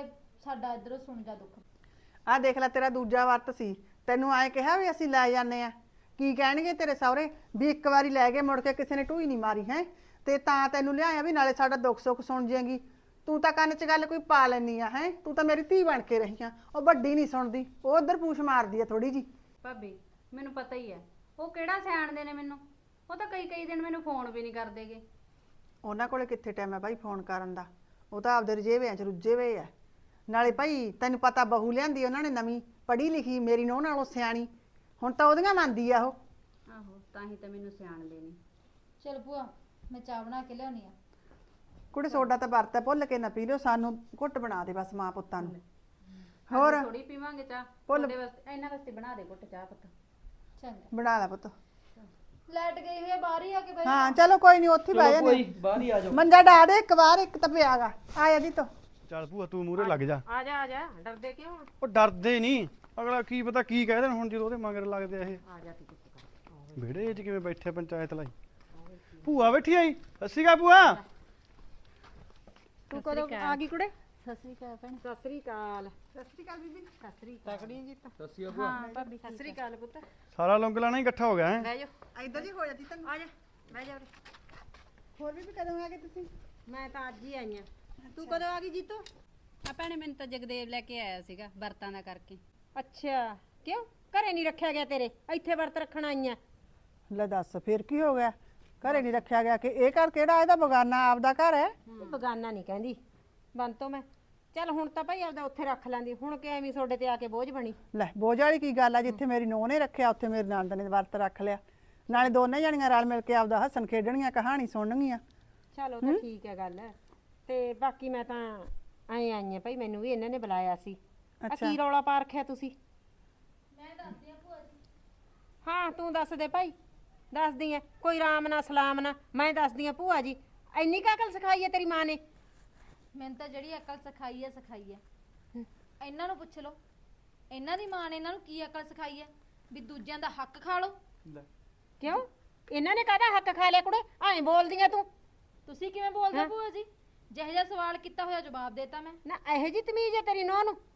S6: ਸਾਡਾ ਇਧਰੋਂ ਸੁਣ ਜਾ ਦੁੱਖ।
S4: ਆਹ ਦੇਖ ਲੈ ਤੇਰਾ ਦੂਜਾ ਵਰਤ ਸੀ, ਤੈਨੂੰ ਆਏ ਕਿਹਾ ਵੀ ਅਸੀਂ ਲੈ ਜਾਂਦੇ ਆ, ਕੀ ਕਹਿਣਗੇ ਤੇਰੇ ਸਹੁਰੇ ਵੀ ਇੱਕ ਵਾਰੀ ਲੈ ਗਏ ਮੁੜ ਕੇ ਕਿਸੇ ਨੇ ਢੂਈ ਨਹੀਂ ਮਾਰੀ ਹੈ, ਤੇ ਤਾਂ ਤੈਨੂੰ ਲਿਆਇਆ ਵੀ ਨਾਲੇ ਸਾਡਾ ਦੁੱਖ ਸੁੱਖ ਸੁਣ ਜਾਏਗੀ। ਤੂੰ ਤਾਂ ਕੰਨ 'ਚ ਗੱਲ ਕੋਈ ਪਾ ਲੈਣੀ ਆ ਹੈ, ਤੂੰ ਤਾਂ ਮੇਰੀ ਧੀ ਬਣ ਕੇ ਰਹੀ ਆ, ਉਹ ਵੱਡੀ ਨਹੀਂ ਸੁਣਦੀ, ਉਹ ਉਧਰ ਪੂਛ ਮਾਰਦੀ ਆ ਥੋੜੀ ਜੀ।
S5: ਭਾਬੀ ਮੈਨੂੰ ਪਤਾ ਹੀ ਹੈ ਉਹ ਕਿਹੜਾ ਸਿਆਣਦੇ ਨੇ ਮੈਨੂੰ, ਉਹ ਤਾਂ ਕਈ ਦਿਨ ਮੈਨੂੰ ਫੋਨ ਵੀ ਨਹੀਂ ਕਰਦੇਗੇ।
S4: ਉਹਨਾਂ ਕੋਲੇ ਕਿੱਥੇ ਟਾਈਮ ਹੈ ਭਾਈ ਫੋਨ ਕਰਨ ਦਾ, ਉਹ ਤਾਂ ਆਪਦੇ ਰਜੇਵਿਆਂ 'ਚ ਰੁੱਝੇ ਹੋਏ ਆ। ਨਾਲੇ ਭਾਈ ਤੈਨੂੰ ਪਤਾ ਬਹੂ ਲਿਆਂਦੀ ਉਹਨਾਂ ਨੇ ਨਵੀਂ, ਪੜ੍ਹੀ ਲਿਖੀ, ਮੇਰੀ ਨੂੰਹ ਨਾਲੋਂ ਸਿਆਣੀ, ਹੁਣ ਤਾਂ ਉਹਦੀਆਂ ਮੰਨਦੀ ਆ ਉਹ।
S5: ਆਹੋ ਤਾਂ ਹੀ ਤਾਂ ਮੈਨੂੰ ਸਿਆਣਦੇ ਨਹੀਂ।
S6: ਚਲ ਭੂਆ ਮੈਂ ਚਾਹ ਬਣਾ ਕੇ ਲਿਆਉਣੀ ਆ।
S4: ਕੁੜੇ ਸੋਡਾ ਤਾਂ ਵਰਤਾ ਭੁੱਲ ਕੇ ਨਾ ਪੀ ਲਿਓ, ਸਾਨੂੰ ਘੁੱਟ ਬਣਾ ਦੇ ਬਸ ਮਾਂ ਪੁੱਤਾਂ ਨੂੰ। ਹੋਰ
S5: ਥੋੜੀ ਪੀਵਾਂਗੇ ਚਾਹ,
S4: ਭੁੱਲ-
S5: ਤੁਹਾਡੇ ਵਾਸਤੇ ਇਹਨਾਂ ਵਾਸਤੇ ਬਣਾ ਦੇ ਘੁੱਟ ਚਾਹ ਪੁੱਤ।
S6: ਚੰਗਾ
S4: ਬਣਾ ਲੈ ਪੁੱਤ।
S6: ਲਾਈਟ ਗਈ ਹੋਈ ਆ, ਬਾਹਰ ਹੀ ਆ ਕੇ ਬਹਿ
S4: ਹਾਂ ਚਲੋ ਕੋਈ ਨਹੀਂ, ਉੱਥੇ ਹੀ ਬਹਿ
S7: ਚਲੋ ਕੋਈ
S4: ਜਾਂਦੇ।
S7: ਬਾਹਰ ਹੀ ਆ ਜਾਓ।
S4: ਮੰਜਾ ਡਾ ਦੇ ਇੱਕ ਵਾਰ, ਇੱਕ ਤਾਂ ਪਿਆਗਾ ਆਇਆ ਜੀ ਤੋ।
S3: ਚੱਲ ਭੂਆ ਤੂੰ ਮੂਹਰੇ ਲੱਗ ਜਾ।
S1: ਆ ਜਾ ਡਰਦੇ ਕਿਉਂ?
S3: ਉਹ ਡਰਦੇ ਨਹੀਂ, ਅਗਲਾ ਕੀ ਪਤਾ ਕੀ ਕਹਿ ਦੇਣ ਹੁਣ ਜਦੋਂ ਉਹਦੇ ਮਗਰ ਲੱਗਦੇ ਆ ਇਹ।
S1: ਆ ਜਾ ਤੂੰ ਚੁੱਪ ਕਰ।
S3: ਵਿਹੜੇ 'ਚ ਕਿਵੇਂ ਬੈਠੇ ਪੰਚਾਇਤ ਲਈ। ਭੂਆ ਬੈਠੀ ਆਈ, ਸਤਿ ਸ਼੍ਰੀ ਅਕਾਲ ਭੂਆ।
S1: ਤੂੰ ਕਦੋਂ ਆ ਗਈ ਕੁੜੇ?
S6: ਸਤਿ ਸ੍ਰੀ ਅਕਾਲ ਭੈਣ।
S1: ਸਤਿ ਸ੍ਰੀ ਅਕਾਲ।
S4: ਸਤਿ ਸ਼੍ਰੀ ਅਕਾਲ ਬੀਬੀ।
S1: ਸਤਿ ਸ੍ਰੀ ਅਕਾਲ। ਤਕੜੀ ਜੀ ਤਾਂ।
S7: ਸਤਿ ਸ਼੍ਰੀ ਅਕਾਲ।
S5: ਹਾਂ ਭਾਬੀ
S1: ਸਤਿ ਸ੍ਰੀ ਅਕਾਲ ਪੁੱਤ।
S3: ਸਾਰਾ ਲੰਗਲਾਣਾ ਹੀ ਇਕੱਠਾ ਹੋ ਗਿਆ ਹੈ।
S1: ਬਹਿ ਜਾ
S4: ਇੱਧਰ ਜੀ ਹੋ ਜਾਂਦੀ ਤੈਨੂੰ।
S1: ਆ ਜਾ ਬਹਿ ਜਾ ਉਰੇ।
S4: ਹੋਰ ਬੀਬੀ ਕਦੋਂ ਆ ਗਏ ਤੁਸੀਂ?
S1: ਮੈਂ ਤਾਂ ਅੱਜ ਹੀ ਆਈ ਆ। ਤੂੰ ਕਦੋਂ ਆ ਗਈ ਜੀਤੋ?
S5: ਆ ਭੈਣੇ ਮੈਨੂੰ ਤਾਂ ਜਗਦੇਵ ਲੈ ਕੇ ਆਇਆ ਸੀਗਾ ਵਰਤਾਂ ਦਾ ਕਰਕੇ।
S1: ਅੱਛਾ ਕਿਉਂ ਘਰੇ ਨਹੀਂ ਰੱਖਿਆ ਗਿਆ ਤੇਰੇ, ਇੱਥੇ ਵਰਤ ਰੱਖਣ ਆਈ ਆ?
S4: ਲੈ ਦੱਸ ਫਿਰ ਕੀ ਹੋ ਗਿਆ, ਘਰੇ ਨਹੀਂ ਰੱਖਿਆ ਗਿਆ ਕਿ ਇਹ ਘਰ ਕਿਹੜਾ, ਇਹਦਾ ਬਗਾਨਾ ਆਪਦਾ ਘਰ ਹੈ।
S1: ਬਗਾਨਾ ਨਹੀਂ ਕਹਿੰਦੀ ਬੰਤੋ ਮੈਂ। ਚੱਲ ਹੁਣ ਤਾਂ ਭਾਈ ਆਪਦਾ ਉੱਥੇ ਰੱਖ ਲੈਂਦੀ, ਹੁਣ ਕਿ ਐਵੇਂ ਤੁਹਾਡੇ ਤੇ ਆ ਕੇ ਬੋਝ ਬਣੀ।
S4: ਲੈ ਬੋਝ ਵਾਲੀ ਕੀ ਗੱਲ ਆ, ਜਿੱਥੇ ਮੇਰੀ ਨੂੰਹ ਨੇ ਰੱਖਿਆ ਉੱਥੇ ਮੇਰੇ ਨੰਦ ਨੇ ਵਰਤ ਰੱਖ ਲਿਆ, ਨਾਲੇ ਦੋਨੇ ਜਣੀਆਂ ਰਲ ਮਿਲ ਕੇ ਆਪਦਾ ਹੱਸਣ ਖੇਡਣਗੀਆਂ, ਕਹਾਣੀ ਸੁਣਨਗੀਆਂ।
S1: ਚਲ ਉਹ ਤਾਂ ਠੀਕ ਹੈ ਗੱਲ, ਤੇ ਬਾਕੀ ਮੈਂ ਤਾਂ ਆਈ ਆ ਭਾਈ, ਮੈਨੂੰ ਵੀ ਇਹਨਾਂ ਨੇ ਬੁਲਾਇਆ ਸੀ। ਆ
S4: ਅੱਛਾ।
S1: ਕੀ ਰੌਲਾ ਪਾ ਰੱਖਿਆ ਤੁਸੀਂ?
S6: ਮੈਂ ਦੱਸਦੀ ਆ ਭੂਆ ਜੀ।
S1: ਹਾਂ ਤੂੰ ਦੱਸ ਦੇ ਭਾਈ, ਦੱਸਦੀ ਐ ਕੋਈ ਰਾਮ ਨਾ ਸਲਾਮ ਨਾ, ਮੈਂ ਦੱਸਦੀ ਆ ਭੂਆ ਜੀ। ਇੰਨੀ ਕੁ ਅਕਲ ਸਿਖਾਈ ਹੈ ਤੇਰੀ ਮਾਂ ਨੇ?
S6: ਮੈਨੂੰ ਤਾਂ ਜਿਹੜੀ ਅਕਲ ਸਿਖਾਈ ਹੈ ਇਹਨਾਂ ਨੂੰ ਪੁੱਛ ਲਓ, ਇਹਨਾਂ ਦੀ ਮਾਂ ਨੇ ਇਹਨਾਂ ਨੂੰ ਕੀ ਅਕਲ ਸਿਖਾਈ ਹੈ ਵੀ ਦੂਜਿਆਂ ਦਾ ਹੱਕ ਖਾ ਲਓ।
S1: ਕਿਉਂ ਇਹਨਾਂ ਨੇ ਕਾਹਦਾ ਹੱਕ ਖਾ ਲਿਆ ਕੁੜੇ, ਐਂ ਬੋਲਦੀਆਂ ਤੂੰ?
S6: ਤੁਸੀਂ ਕਿਵੇਂ ਬੋਲਦੇ ਹੋ ਭੂਆ ਜੀ? ਜਿਹੋ ਜਿਹਾ ਸਵਾਲ ਕੀਤਾ ਹੋਇਆ ਜਵਾਬ ਦੇਤਾ ਮੈਂ।
S1: ਨਾ ਇਹੋ ਜੀ ਤਮੀਜ਼ ਹੈ ਤੇਰੀ ਨੂੰਹ ਨੂੰ?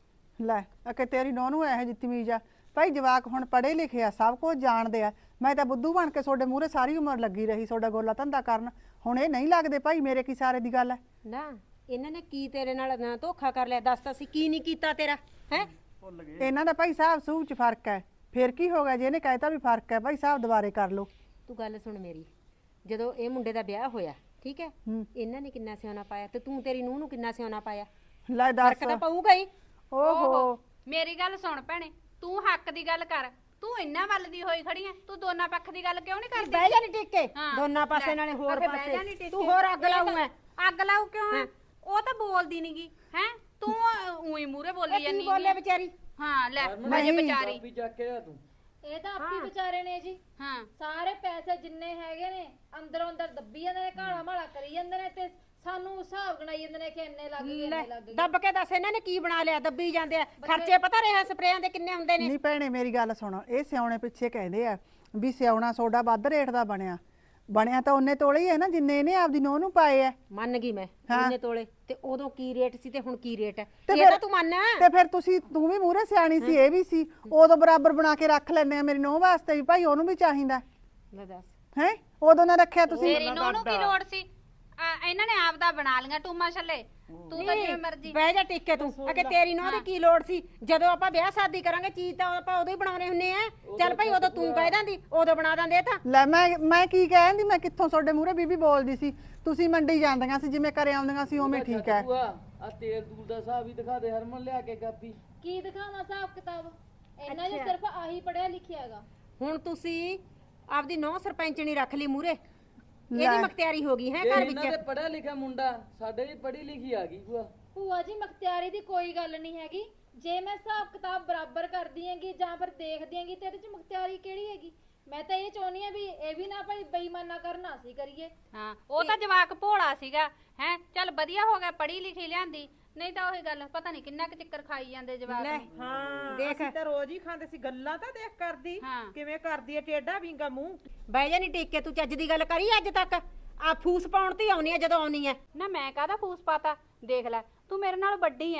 S4: ਲੈ ਅਕੇ ਤੇਰੀ ਨੂੰਹ ਨੂੰ ਇਹੋ ਜਿਹੀ ਤਮੀਜ਼ ਆ? ਭਾਈ ਜਵਾਕ ਹੁਣ ਪੜ੍ਹੇ ਲਿਖੇ ਆ, ਸਭ ਕੁਝ ਜਾਣਦੇ ਆ। ਮੈਂ ਤਾਂ ਬੁੱਧੂ ਬਣ ਕੇ ਤੁਹਾਡੇ ਮੂਹਰੇ ਸਾਰੀ ਉਮਰ ਲੱਗੀ ਰਹੀ ਤੁਹਾਡਾ ਗੋਲਾ ਧੰਦਾ ਕਰਨ, ਹੁਣ ਇਹ ਨਹੀਂ ਲੱਗਦੇ ਭਾਈ ਮੇਰੇ ਕੀ ਸਾਰੇ ਦੀ ਗੱਲ ਹੈ।
S1: ਨਾ ਇਹਨਾਂ ਨੇ ਕੀ ਤੇਰੇ ਨਾਲ ਨਾ ਧੋਖਾ ਕਰ ਲਿਆ? ਦੱਸ ਤਾਂ ਸੀ ਕੀ ਨਹੀਂ ਕੀਤਾ ਤੇਰਾ ਹੈ?
S4: ਇਹਨਾਂ ਦਾ ਭਾਈ ਸਾਹਿਬ ਸੂਹ ਚ ਫਰਕ ਹੈ, ਫਿਰ ਕੀ ਹੋ ਗਿਆ ਜੇ ਇਹਨੇ ਕਹਿਤਾ ਵੀ ਫਰਕ ਹੈ ਭਾਈ ਸਾਹਿਬ ਦੁਬਾਰੇ ਕਰ ਲਓ।
S1: ਤੂੰ ਗੱਲ ਸੁਣ ਮੇਰੀ, ਜਦੋਂ ਇਹ ਮੁੰਡੇ ਦਾ ਵਿਆਹ ਹੋਇਆ ਠੀਕ ਹੈ,
S4: ਹੂੰ।
S1: ਇਹਨਾਂ ਨੇ ਕਿੰਨਾ ਸਿਆਣਾ ਪਾਇਆ ਤੇ ਤੂੰ ਤੇਰੀ ਨੂੰਹ ਨੂੰ ਕਿੰਨਾ ਸਿਆਣਾ ਪਾਇਆ?
S4: ਲੈ ਦੱਸ।
S1: ਫਰਕ ਤਾਂ ਪਊਗਾ ਹੀ।
S4: ਓਹੋ
S5: ਮੇਰੀ ਗੱਲ ਸੁਣ ਭੈਣੇ, ਤੂੰ ਹੱਕ ਦੀ ਗੱਲ ਕਰ। ਤੂੰ ਇੰਨਾ ਵੱਲ ਦੀ ਹੋਈ ਖੜੀ ਐ, ਤੂੰ ਦੋਨਾਂ ਪੱਖ ਦੀ ਗੱਲ ਕਿਉਂ ਨਹੀਂ ਕਰਦੀ?
S1: ਬਹਿ ਜਾ ਨੀ ਟਿਕ ਕੇ,
S5: ਹਾਂ,
S1: ਦੋਨਾਂ ਪਾਸੇ
S5: ਲੈ,
S1: ਨਾਲੇ ਹੋਰ
S5: ਆਖੇ ਬਹਿ ਜਾ ਨੀ
S1: ਪਾਸੇ
S5: ਟਿਕ
S1: ਤੂੰ
S5: ਕੇ।
S1: ਹੋਰ ਅੱਗ
S5: ਇਹ
S1: ਲਾਊ
S5: ਤਾਂ-
S1: ਮੈਂ।
S5: ਅੱਗ ਲਾਊ ਕਿਉਂ ਐ? ਉਹ ਤਾਂ ਬੋਲਦੀ ਨਹੀਂਗੀ ਹੈ, ਤੂੰ ਉਹੀ ਮੂਰੇ ਬੋਲੀ
S1: ਕੀ
S5: ਜਾਂਦੀ
S1: ਬੋਲੇ ਵਿਚਾਰੀ?
S5: ਹਾਂ ਲੈ
S4: ਨਹੀਂ।
S5: ਵਜੇ ਵਿਚਾਰੀ।
S7: ਕਾਪੀ ਚੱਕ ਕੇ ਆ ਤੂੰ।
S6: ਇਹ ਤਾਂ ਆਪੀ ਵਿਚਾਰੇ ਨੇ ਜੀ,
S5: ਹਾਂ
S6: ਸਾਰੇ ਪੈਸੇ ਜਿੰਨੇ ਹੈਗੇ ਨੇ ਅੰਦਰੋਂ ਅੰਦਰ ਦੱਬੀ ਜਾਂਦੇ ਨੇ, ਘਾਲਾ ਮਾਲਾ ਕਰੀ ਜਾਂਦੇ ਨੇ ਤੇ ਸਾਨੂੰ ਹਿਸਾਬ ਗਣਾਈ ਜਾਂਦੇ ਨੇ ਕਿ ਇੰਨੇ ਲੱਗ ਗਏ
S1: ਲੈ
S6: ਇੰਨੇ ਲੱਗ ਗਏ।
S1: ਦੱਬ ਕੇ ਦੱਸ ਇਹਨਾਂ ਨੇ ਕੀ ਬਣਾ ਲਿਆ? ਦੱਬੀ ਜਾਂਦੇ ਆ ਖਰਚੇ, ਪਤਾ ਰਿਹਾ ਸਪਰੇਆਂ ਦੇ ਕਿੰਨੇ ਹੁੰਦੇ ਨੇ?
S4: ਨਹੀਂ ਭੈਣੇ ਮੇਰੀ ਗੱਲ ਸੁਣੋ, ਇਹ ਸਿਆਉਣੇ ਪਿੱਛੇ ਕਹਿੰਦੇ ਆ ਵੀ ਸਿਆਉਣਾ ਸੋਡਾ ਵੱਧ ਰੇਟ ਦਾ ਬਣਿਆ ਤਾਂ ਉਹਨੇ ਤੋਲੇ ਹੀ ਹੈ ਨਾ ਜਿੰਨੇ ਇਹਨੇ ਆਪਦੀ ਨੂੰਹ ਨੂੰ ਪਾਏ ਆ।
S1: ਮੰਨ ਗਈ ਮੈਂ,
S4: ਹਾਂ।
S1: ਇੰਨੇ ਤੋਲੇ ਤੇ ਉਦੋਂ ਕੀ ਰੇਟ ਸੀ ਤੇ ਹੁਣ ਕੀ ਰੇਟ ਹੈ,
S4: ਤੇ
S1: ਇਹ
S4: ਫਿਰ-
S1: ਤਾਂ ਤੂੰ ਮੰਨ।
S4: ਤੇ ਫਿਰ ਤੂੰ ਵੀ ਮੂਹਰੇ ਸਿਆਣੀ ਸੀ, ਇਹ ਵੀ ਸੀ, ਉਦੋਂ ਬਰਾਬਰ ਬਣਾ ਕੇ ਰੱਖ ਲੈਣੇ ਆ ਮੇਰੀ ਨੂੰਹ ਵਾਸਤੇ ਵੀ, ਭਾਈ ਉਹਨੂੰ ਵੀ ਚਾਹੀਦਾ
S1: ਲੈ ਦੱਸ।
S4: ਹੈ, ਉਦੋਂ ਨਾ ਰੱਖਿਆ ਤੁਸੀਂ।
S5: ਮੇਰੀ ਨੂੰਹ ਨੂੰ ਕੀ ਲੋੜ ਸੀ? ਇਹਨਾਂ ਨੇ ਆਪ ਦਾ ਬਣਾ ਲੀਆਂ ਟੂਮਾ ਛੱਲੇ, ਤੂੰ ਤਾਂ ਜਿਵੇਂ ਮਰਜ਼ੀ।
S1: ਬਹਿ ਜਾ ਟਿਕ ਕੇ ਤੂੰ, ਅਕੇ ਤੇਰੀ ਨੂੰਹ ਦੀ ਕੀ ਲੋੜ ਸੀ? ਜਦੋਂ ਆਪਾਂ ਵਿਆਹ ਸ਼ਾਦੀ ਕਰਾਂਗੇ ਚੀਜ਼ ਤਾਂ ਆਪਾਂ ਉਦੋਂ ਹੀ ਬਣਾਉਣੇ ਹੁੰਨੇ ਆ। ਚੱਲ ਭਾਈ ਉਦੋਂ ਤੂੰ ਕਹਿ ਦਿੰਦੀ, ਉਦੋਂ ਬਣਾ ਦਿੰਦੇ ਇਹ ਤਾਂ।
S4: ਲੈ ਮੈਂ ਕੀ ਕਹਿੰਦੀ, ਮੈਂ ਕਿੱਥੋਂ ਤੁਹਾਡੇ ਮੂਹਰੇ ਬੀਬੀ ਬੋਲਦੀ ਸੀ, ਤੁਸੀਂ ਮੰਡੀ ਜਾਂਦੀਆਂ ਸੀ ਜਿਵੇਂ ਕਰੇ ਆਉਂਦੀਆਂ ਸੀ ਉਵੇਂ ਠੀਕ ਹੈ।
S7: ਆ ਤੇਲ ਤੂਲ ਦਾ ਹਿਸਾਬ ਹੀ ਦਿਖਾ ਦੇ ਹਰਮਨ, ਲਿਆ ਕੇ ਕਾਪੀ।
S6: ਕੀ ਦਿਖਾਵਾਂ ਹਿਸਾਬ ਕਿਤਾਬ? ਇਹਨਾਂ ਨੇ ਸਿਰਫ ਆਹੀ ਪੜਿਆ ਲਿਖਿਆ ਹੈਗਾ।
S1: ਹੁਣ ਤੁਸੀਂ ਆਪਦੀ ਨੂੰਹ ਸਰਪੰਚਣੀ ਰੱਖ ਲਈ ਮੂਹਰੇ, ਇਹਦੀ
S4: ਲੈ।
S1: ਮਖਤਿਆਰੀ ਹੋ ਗਈ ਹੈ
S7: ਇਹ
S1: ਘਰ
S7: ਇਹਨਾਂ ਦੇ
S1: ਵਿੱਚ।
S7: ਪੜਿਆ ਲਿਖਿਆ ਮੁੰਡਾ, ਸਾਡੇ ਵੀ ਪੜ੍ਹੀ ਲਿਖੀ ਆ ਗਈ ਭੂਆ।
S6: ਭੂਆ ਜੀ ਮਖਤਿਆਰੀ ਦੀ ਕੋਈ ਗੱਲ ਨਹੀਂ ਹੈਗੀ, ਜੇ ਮੈਂ ਹਿਸਾਬ ਕਿਤਾਬ ਬਰਾਬਰ ਕਰਦੀ ਹੈਗੀ ਜਾਂ ਫਿਰ ਦੇਖਦੀ ਹੈਗੀ ਤੇ ਇਹਦੇ ਚ ਮਖਤਿਆਰੀ ਕਿਹੜੀ ਹੈਗੀ? ਮੈਂ ਤਾਂ ਇਹ ਚਾਹੁੰਦੀ ਆ ਵੀ ਇਹ ਵੀ ਨਾ ਭਾਈ ਬੇਈਮਾਨਾ ਕਰਨਾ ਅਸੀਂ ਕਰੀਏ।
S5: ਹਾਂ ਉਹ ਤਾਂ ਜਵਾਕ ਭੋਲਾ ਸੀਗਾ ਹੈ, ਚੱਲ ਵਧੀਆ ਹੋ ਗਿਆ ਪੜ੍ਹੀ ਲਿਖੀ ਲਿਆਂਦੀ, ਨਹੀਂ ਤਾਂ ਉਹੀ ਗੱਲ ਪਤਾ ਨਹੀਂ ਕਿੰਨਾ ਕੁ ਚੱਕਰ ਖਾਈ ਜਾਂਦੇ ਜਵਾਕ
S1: ਲੈ
S5: ਨੂੰ।
S2: ਹਾਂ
S1: ਦੇਖ।
S2: ਅਸੀਂ ਤਾਂ ਰੋਜ਼ ਹੀ ਖਾਂਦੇ ਸੀ, ਗੱਲਾਂ ਤਾਂ ਦੇਖ ਕਰਦੀ
S5: ਹਾਂ।
S2: ਕਿਵੇਂ ਕਰਦੀ ਐ ਟੇਢਾ ਵਿੰਗਾ ਮੂੰਹ।
S1: ਬਹਿ ਜਾ ਨੀ ਟਿਕ ਕੇ, ਤੂੰ ਚੱਜ ਦੀ ਗੱਲ ਕਰੀ ਅੱਜ ਤੱਕ? ਆ ਫੂਸ ਪਾਉਣ ਤੇ ਆਉਣੀ ਆ ਜਦੋਂ ਆਉਣੀ ਆ।
S5: ਨਾ ਮੈਂ ਕਾਹਦਾ ਫੂਸ ਪਾਤਾ? ਦੇਖ ਲੈ ਤੂੰ ਮੇਰੇ ਨਾਲ ਵੱਡੀ ਐ,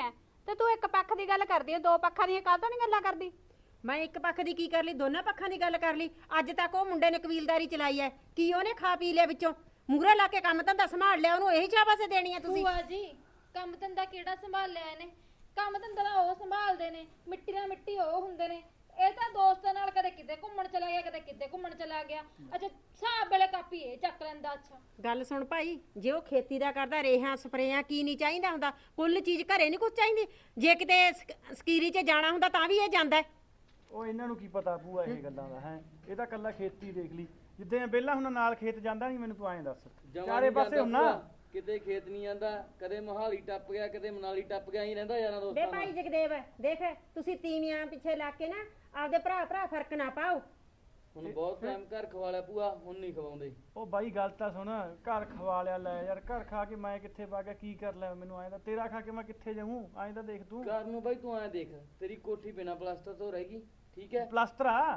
S5: ਤੇ ਤੂੰ ਇੱਕ ਪੱਖ ਦੀ ਗੱਲ ਕਰਦੀ ਐ, ਦੋ ਪੱਖਾਂ ਦੀਆਂ ਕਾਹਤੋਂ ਨਹੀਂ ਗੱਲਾਂ ਕਰਦੀ?
S1: ਮੈਂ ਇੱਕ ਪੱਖ ਦੀ ਕੀ ਕਰ ਲਈ, ਦੋਨਾਂ ਪੱਖਾਂ ਦੀ ਗੱਲ ਕਰ ਲਈ। ਅੱਜ ਤੱਕ ਉਹ ਮੁੰਡੇ ਨੇ ਕਬੀਲਦਾਰੀ ਚਲਾਈ ਐ, ਕੀ ਉਹਨੇ ਖਾ ਪੀ ਲਿਆ ਵਿੱਚੋਂ? ਮੂਹਰੇ ਲਾ ਕੇ ਕੰਮ ਧੰਦਾ ਸੰਭਾਲ ਲਿਆ, ਉਹਨੂੰ ਇਹੀ ਸ਼ਾਬਾਸ਼ ਦੇਣੀ ਐ ਤੁਸੀਂ?
S6: ਭੂਆ ਜੀ ਕੰਮ ਧੰਦਾ ਕਿਹੜਾ ਸੰਭਾਲਿਆ ਇਹਨੇ? ਕੰਮ ਧੰਦਾ ਤਾਂ ਉਹ ਸੰਭਾਲਦੇ ਨੇ, ਮਿੱਟੀ ਨਾਲ ਮਿੱਟੀ ਉਹ ਹੁੰਦੇ ਨੇ। ਇਹ ਤਾਂ ਦੋਸਤਾਂ ਨਾਲ ਕਦੇ ਕਿਤੇ ਘੁੰਮਣ ਚਲਾ ਗਿਆ, ਕਦੇ ਕਿਤੇ ਘੁੰਮਣ ਚਲਾ ਗਿਆ। ਅੱਛਾ ਹਿਸਾਬ ਵੇਲੇ ਕਾਪੀ ਇਹ ਚੱਕ ਲੈਂਦਾ। ਅੱਛਾ
S1: ਗੱਲ ਸੁਣ ਭਾਈ, ਜੇ ਉਹ ਖੇਤੀ ਦਾ ਕਰਦਾ, ਰੇਹਾਂ ਸਪਰੇਆਂ ਕੀ ਨਹੀਂ ਚਾਹੀਦਾ ਹੁੰਦਾ? ਕੁੱਲ ਚੀਜ਼ ਘਰੇ ਨਹੀਂ ਕੁਝ ਚਾਹੀਦੀ। ਜੇ ਕਿਤੇ ਸਕੀਰੀ 'ਚ ਜਾਣਾ ਹੁੰਦਾ ਤਾਂ ਵੀ ਇਹ ਜਾਂਦਾ ਹੈ।
S3: ਉਹ ਇਹਨਾਂ ਨੂੰ ਕੀ ਪਤਾ ਭੂਆ ਇਹ ਗੱਲਾਂ ਦਾ ਹੈ? ਇਹ ਤਾਂ ਕੱਲਾ ਖੇਤੀ ਦੇਖ ਲਈ, ਜਿੱਦਾਂ ਵਿਹਲਾ ਹੁਣ ਨਾਲ ਖੇਤ ਜਾਂਦਾ ਨਹੀਂ, ਮੈਨੂੰ ਤੂੰ ਐਂ ਦੱਸ।
S7: ਜਮਾਂ
S3: ਚਾਰੇ
S7: ਨੀ
S3: ਪਾਸੇ
S7: ਜਾਂਦਾ
S3: ਹੁੰਨਾ
S7: ਭੂਆ, ਕਿਤੇ ਖੇਤ ਨਹੀਂ ਜਾਂਦਾ, ਕਦੇ ਮੋਹਾਲੀ ਟੱਪ ਗਿਆ, ਕਦੇ ਮਨਾਲੀ ਟੱਪ ਗਿਆ, ਹੀ ਰਹਿੰਦਾ ਯਾਰਾਂ
S1: ਵੇ
S7: ਦੋਸਤਾਂ
S1: ਭਾਈ
S7: ਨਾਲ।
S1: ਜਗਦੇਵ, ਦੇਖ ਤੁਸੀਂ ਤੀਵੀਆਂ ਪਿੱਛੇ ਲੱਗ ਕੇ ਨਾ ਆਪਦੇ ਭਰਾ ਫਰਕ ਨਾ ਪਾਓ।
S7: ਹੁਣ ਬਹੁਤ ਟਾਈਮ ਘਰ ਖਵਾ ਲਿਆ ਭੂਆ, ਹੁਣ ਨਹੀਂ ਖਵਾਉਂਦੇ।
S3: ਉਹ ਬਾਈ ਗੱਲ ਤਾਂ ਸੁਣ, ਘਰ ਖਵਾ ਲਿਆ ਲੈ ਯਾਰ, ਘਰ ਖਾ ਕੇ ਮੈਂ ਕਿੱਥੇ ਪਾ ਗਿਆ, ਕੀ ਕਰ ਲਿਆ ਮੈਨੂੰ? ਐਂ ਤਾਂ ਤੇਰਾ ਖਾ ਕੇ ਮੈਂ ਕਿੱਥੇ ਜਾਊਂ? ਐਂ ਤਾਂ ਦੇਖ ਤੂੰ।
S7: ਘਰ ਨੂੰ ਬਾਈ ਤੂੰ ਐਂ ਦੇਖ, ਤੇਰੀ ਕੋਠੀ ਬਿਨਾਂ ਪਲਾਸਟਰ ਤੋਂ ਰਹੇਗੀ, ਠੀਕ ਹੈ?
S3: ਪਲਾਸਟਰ ਆ।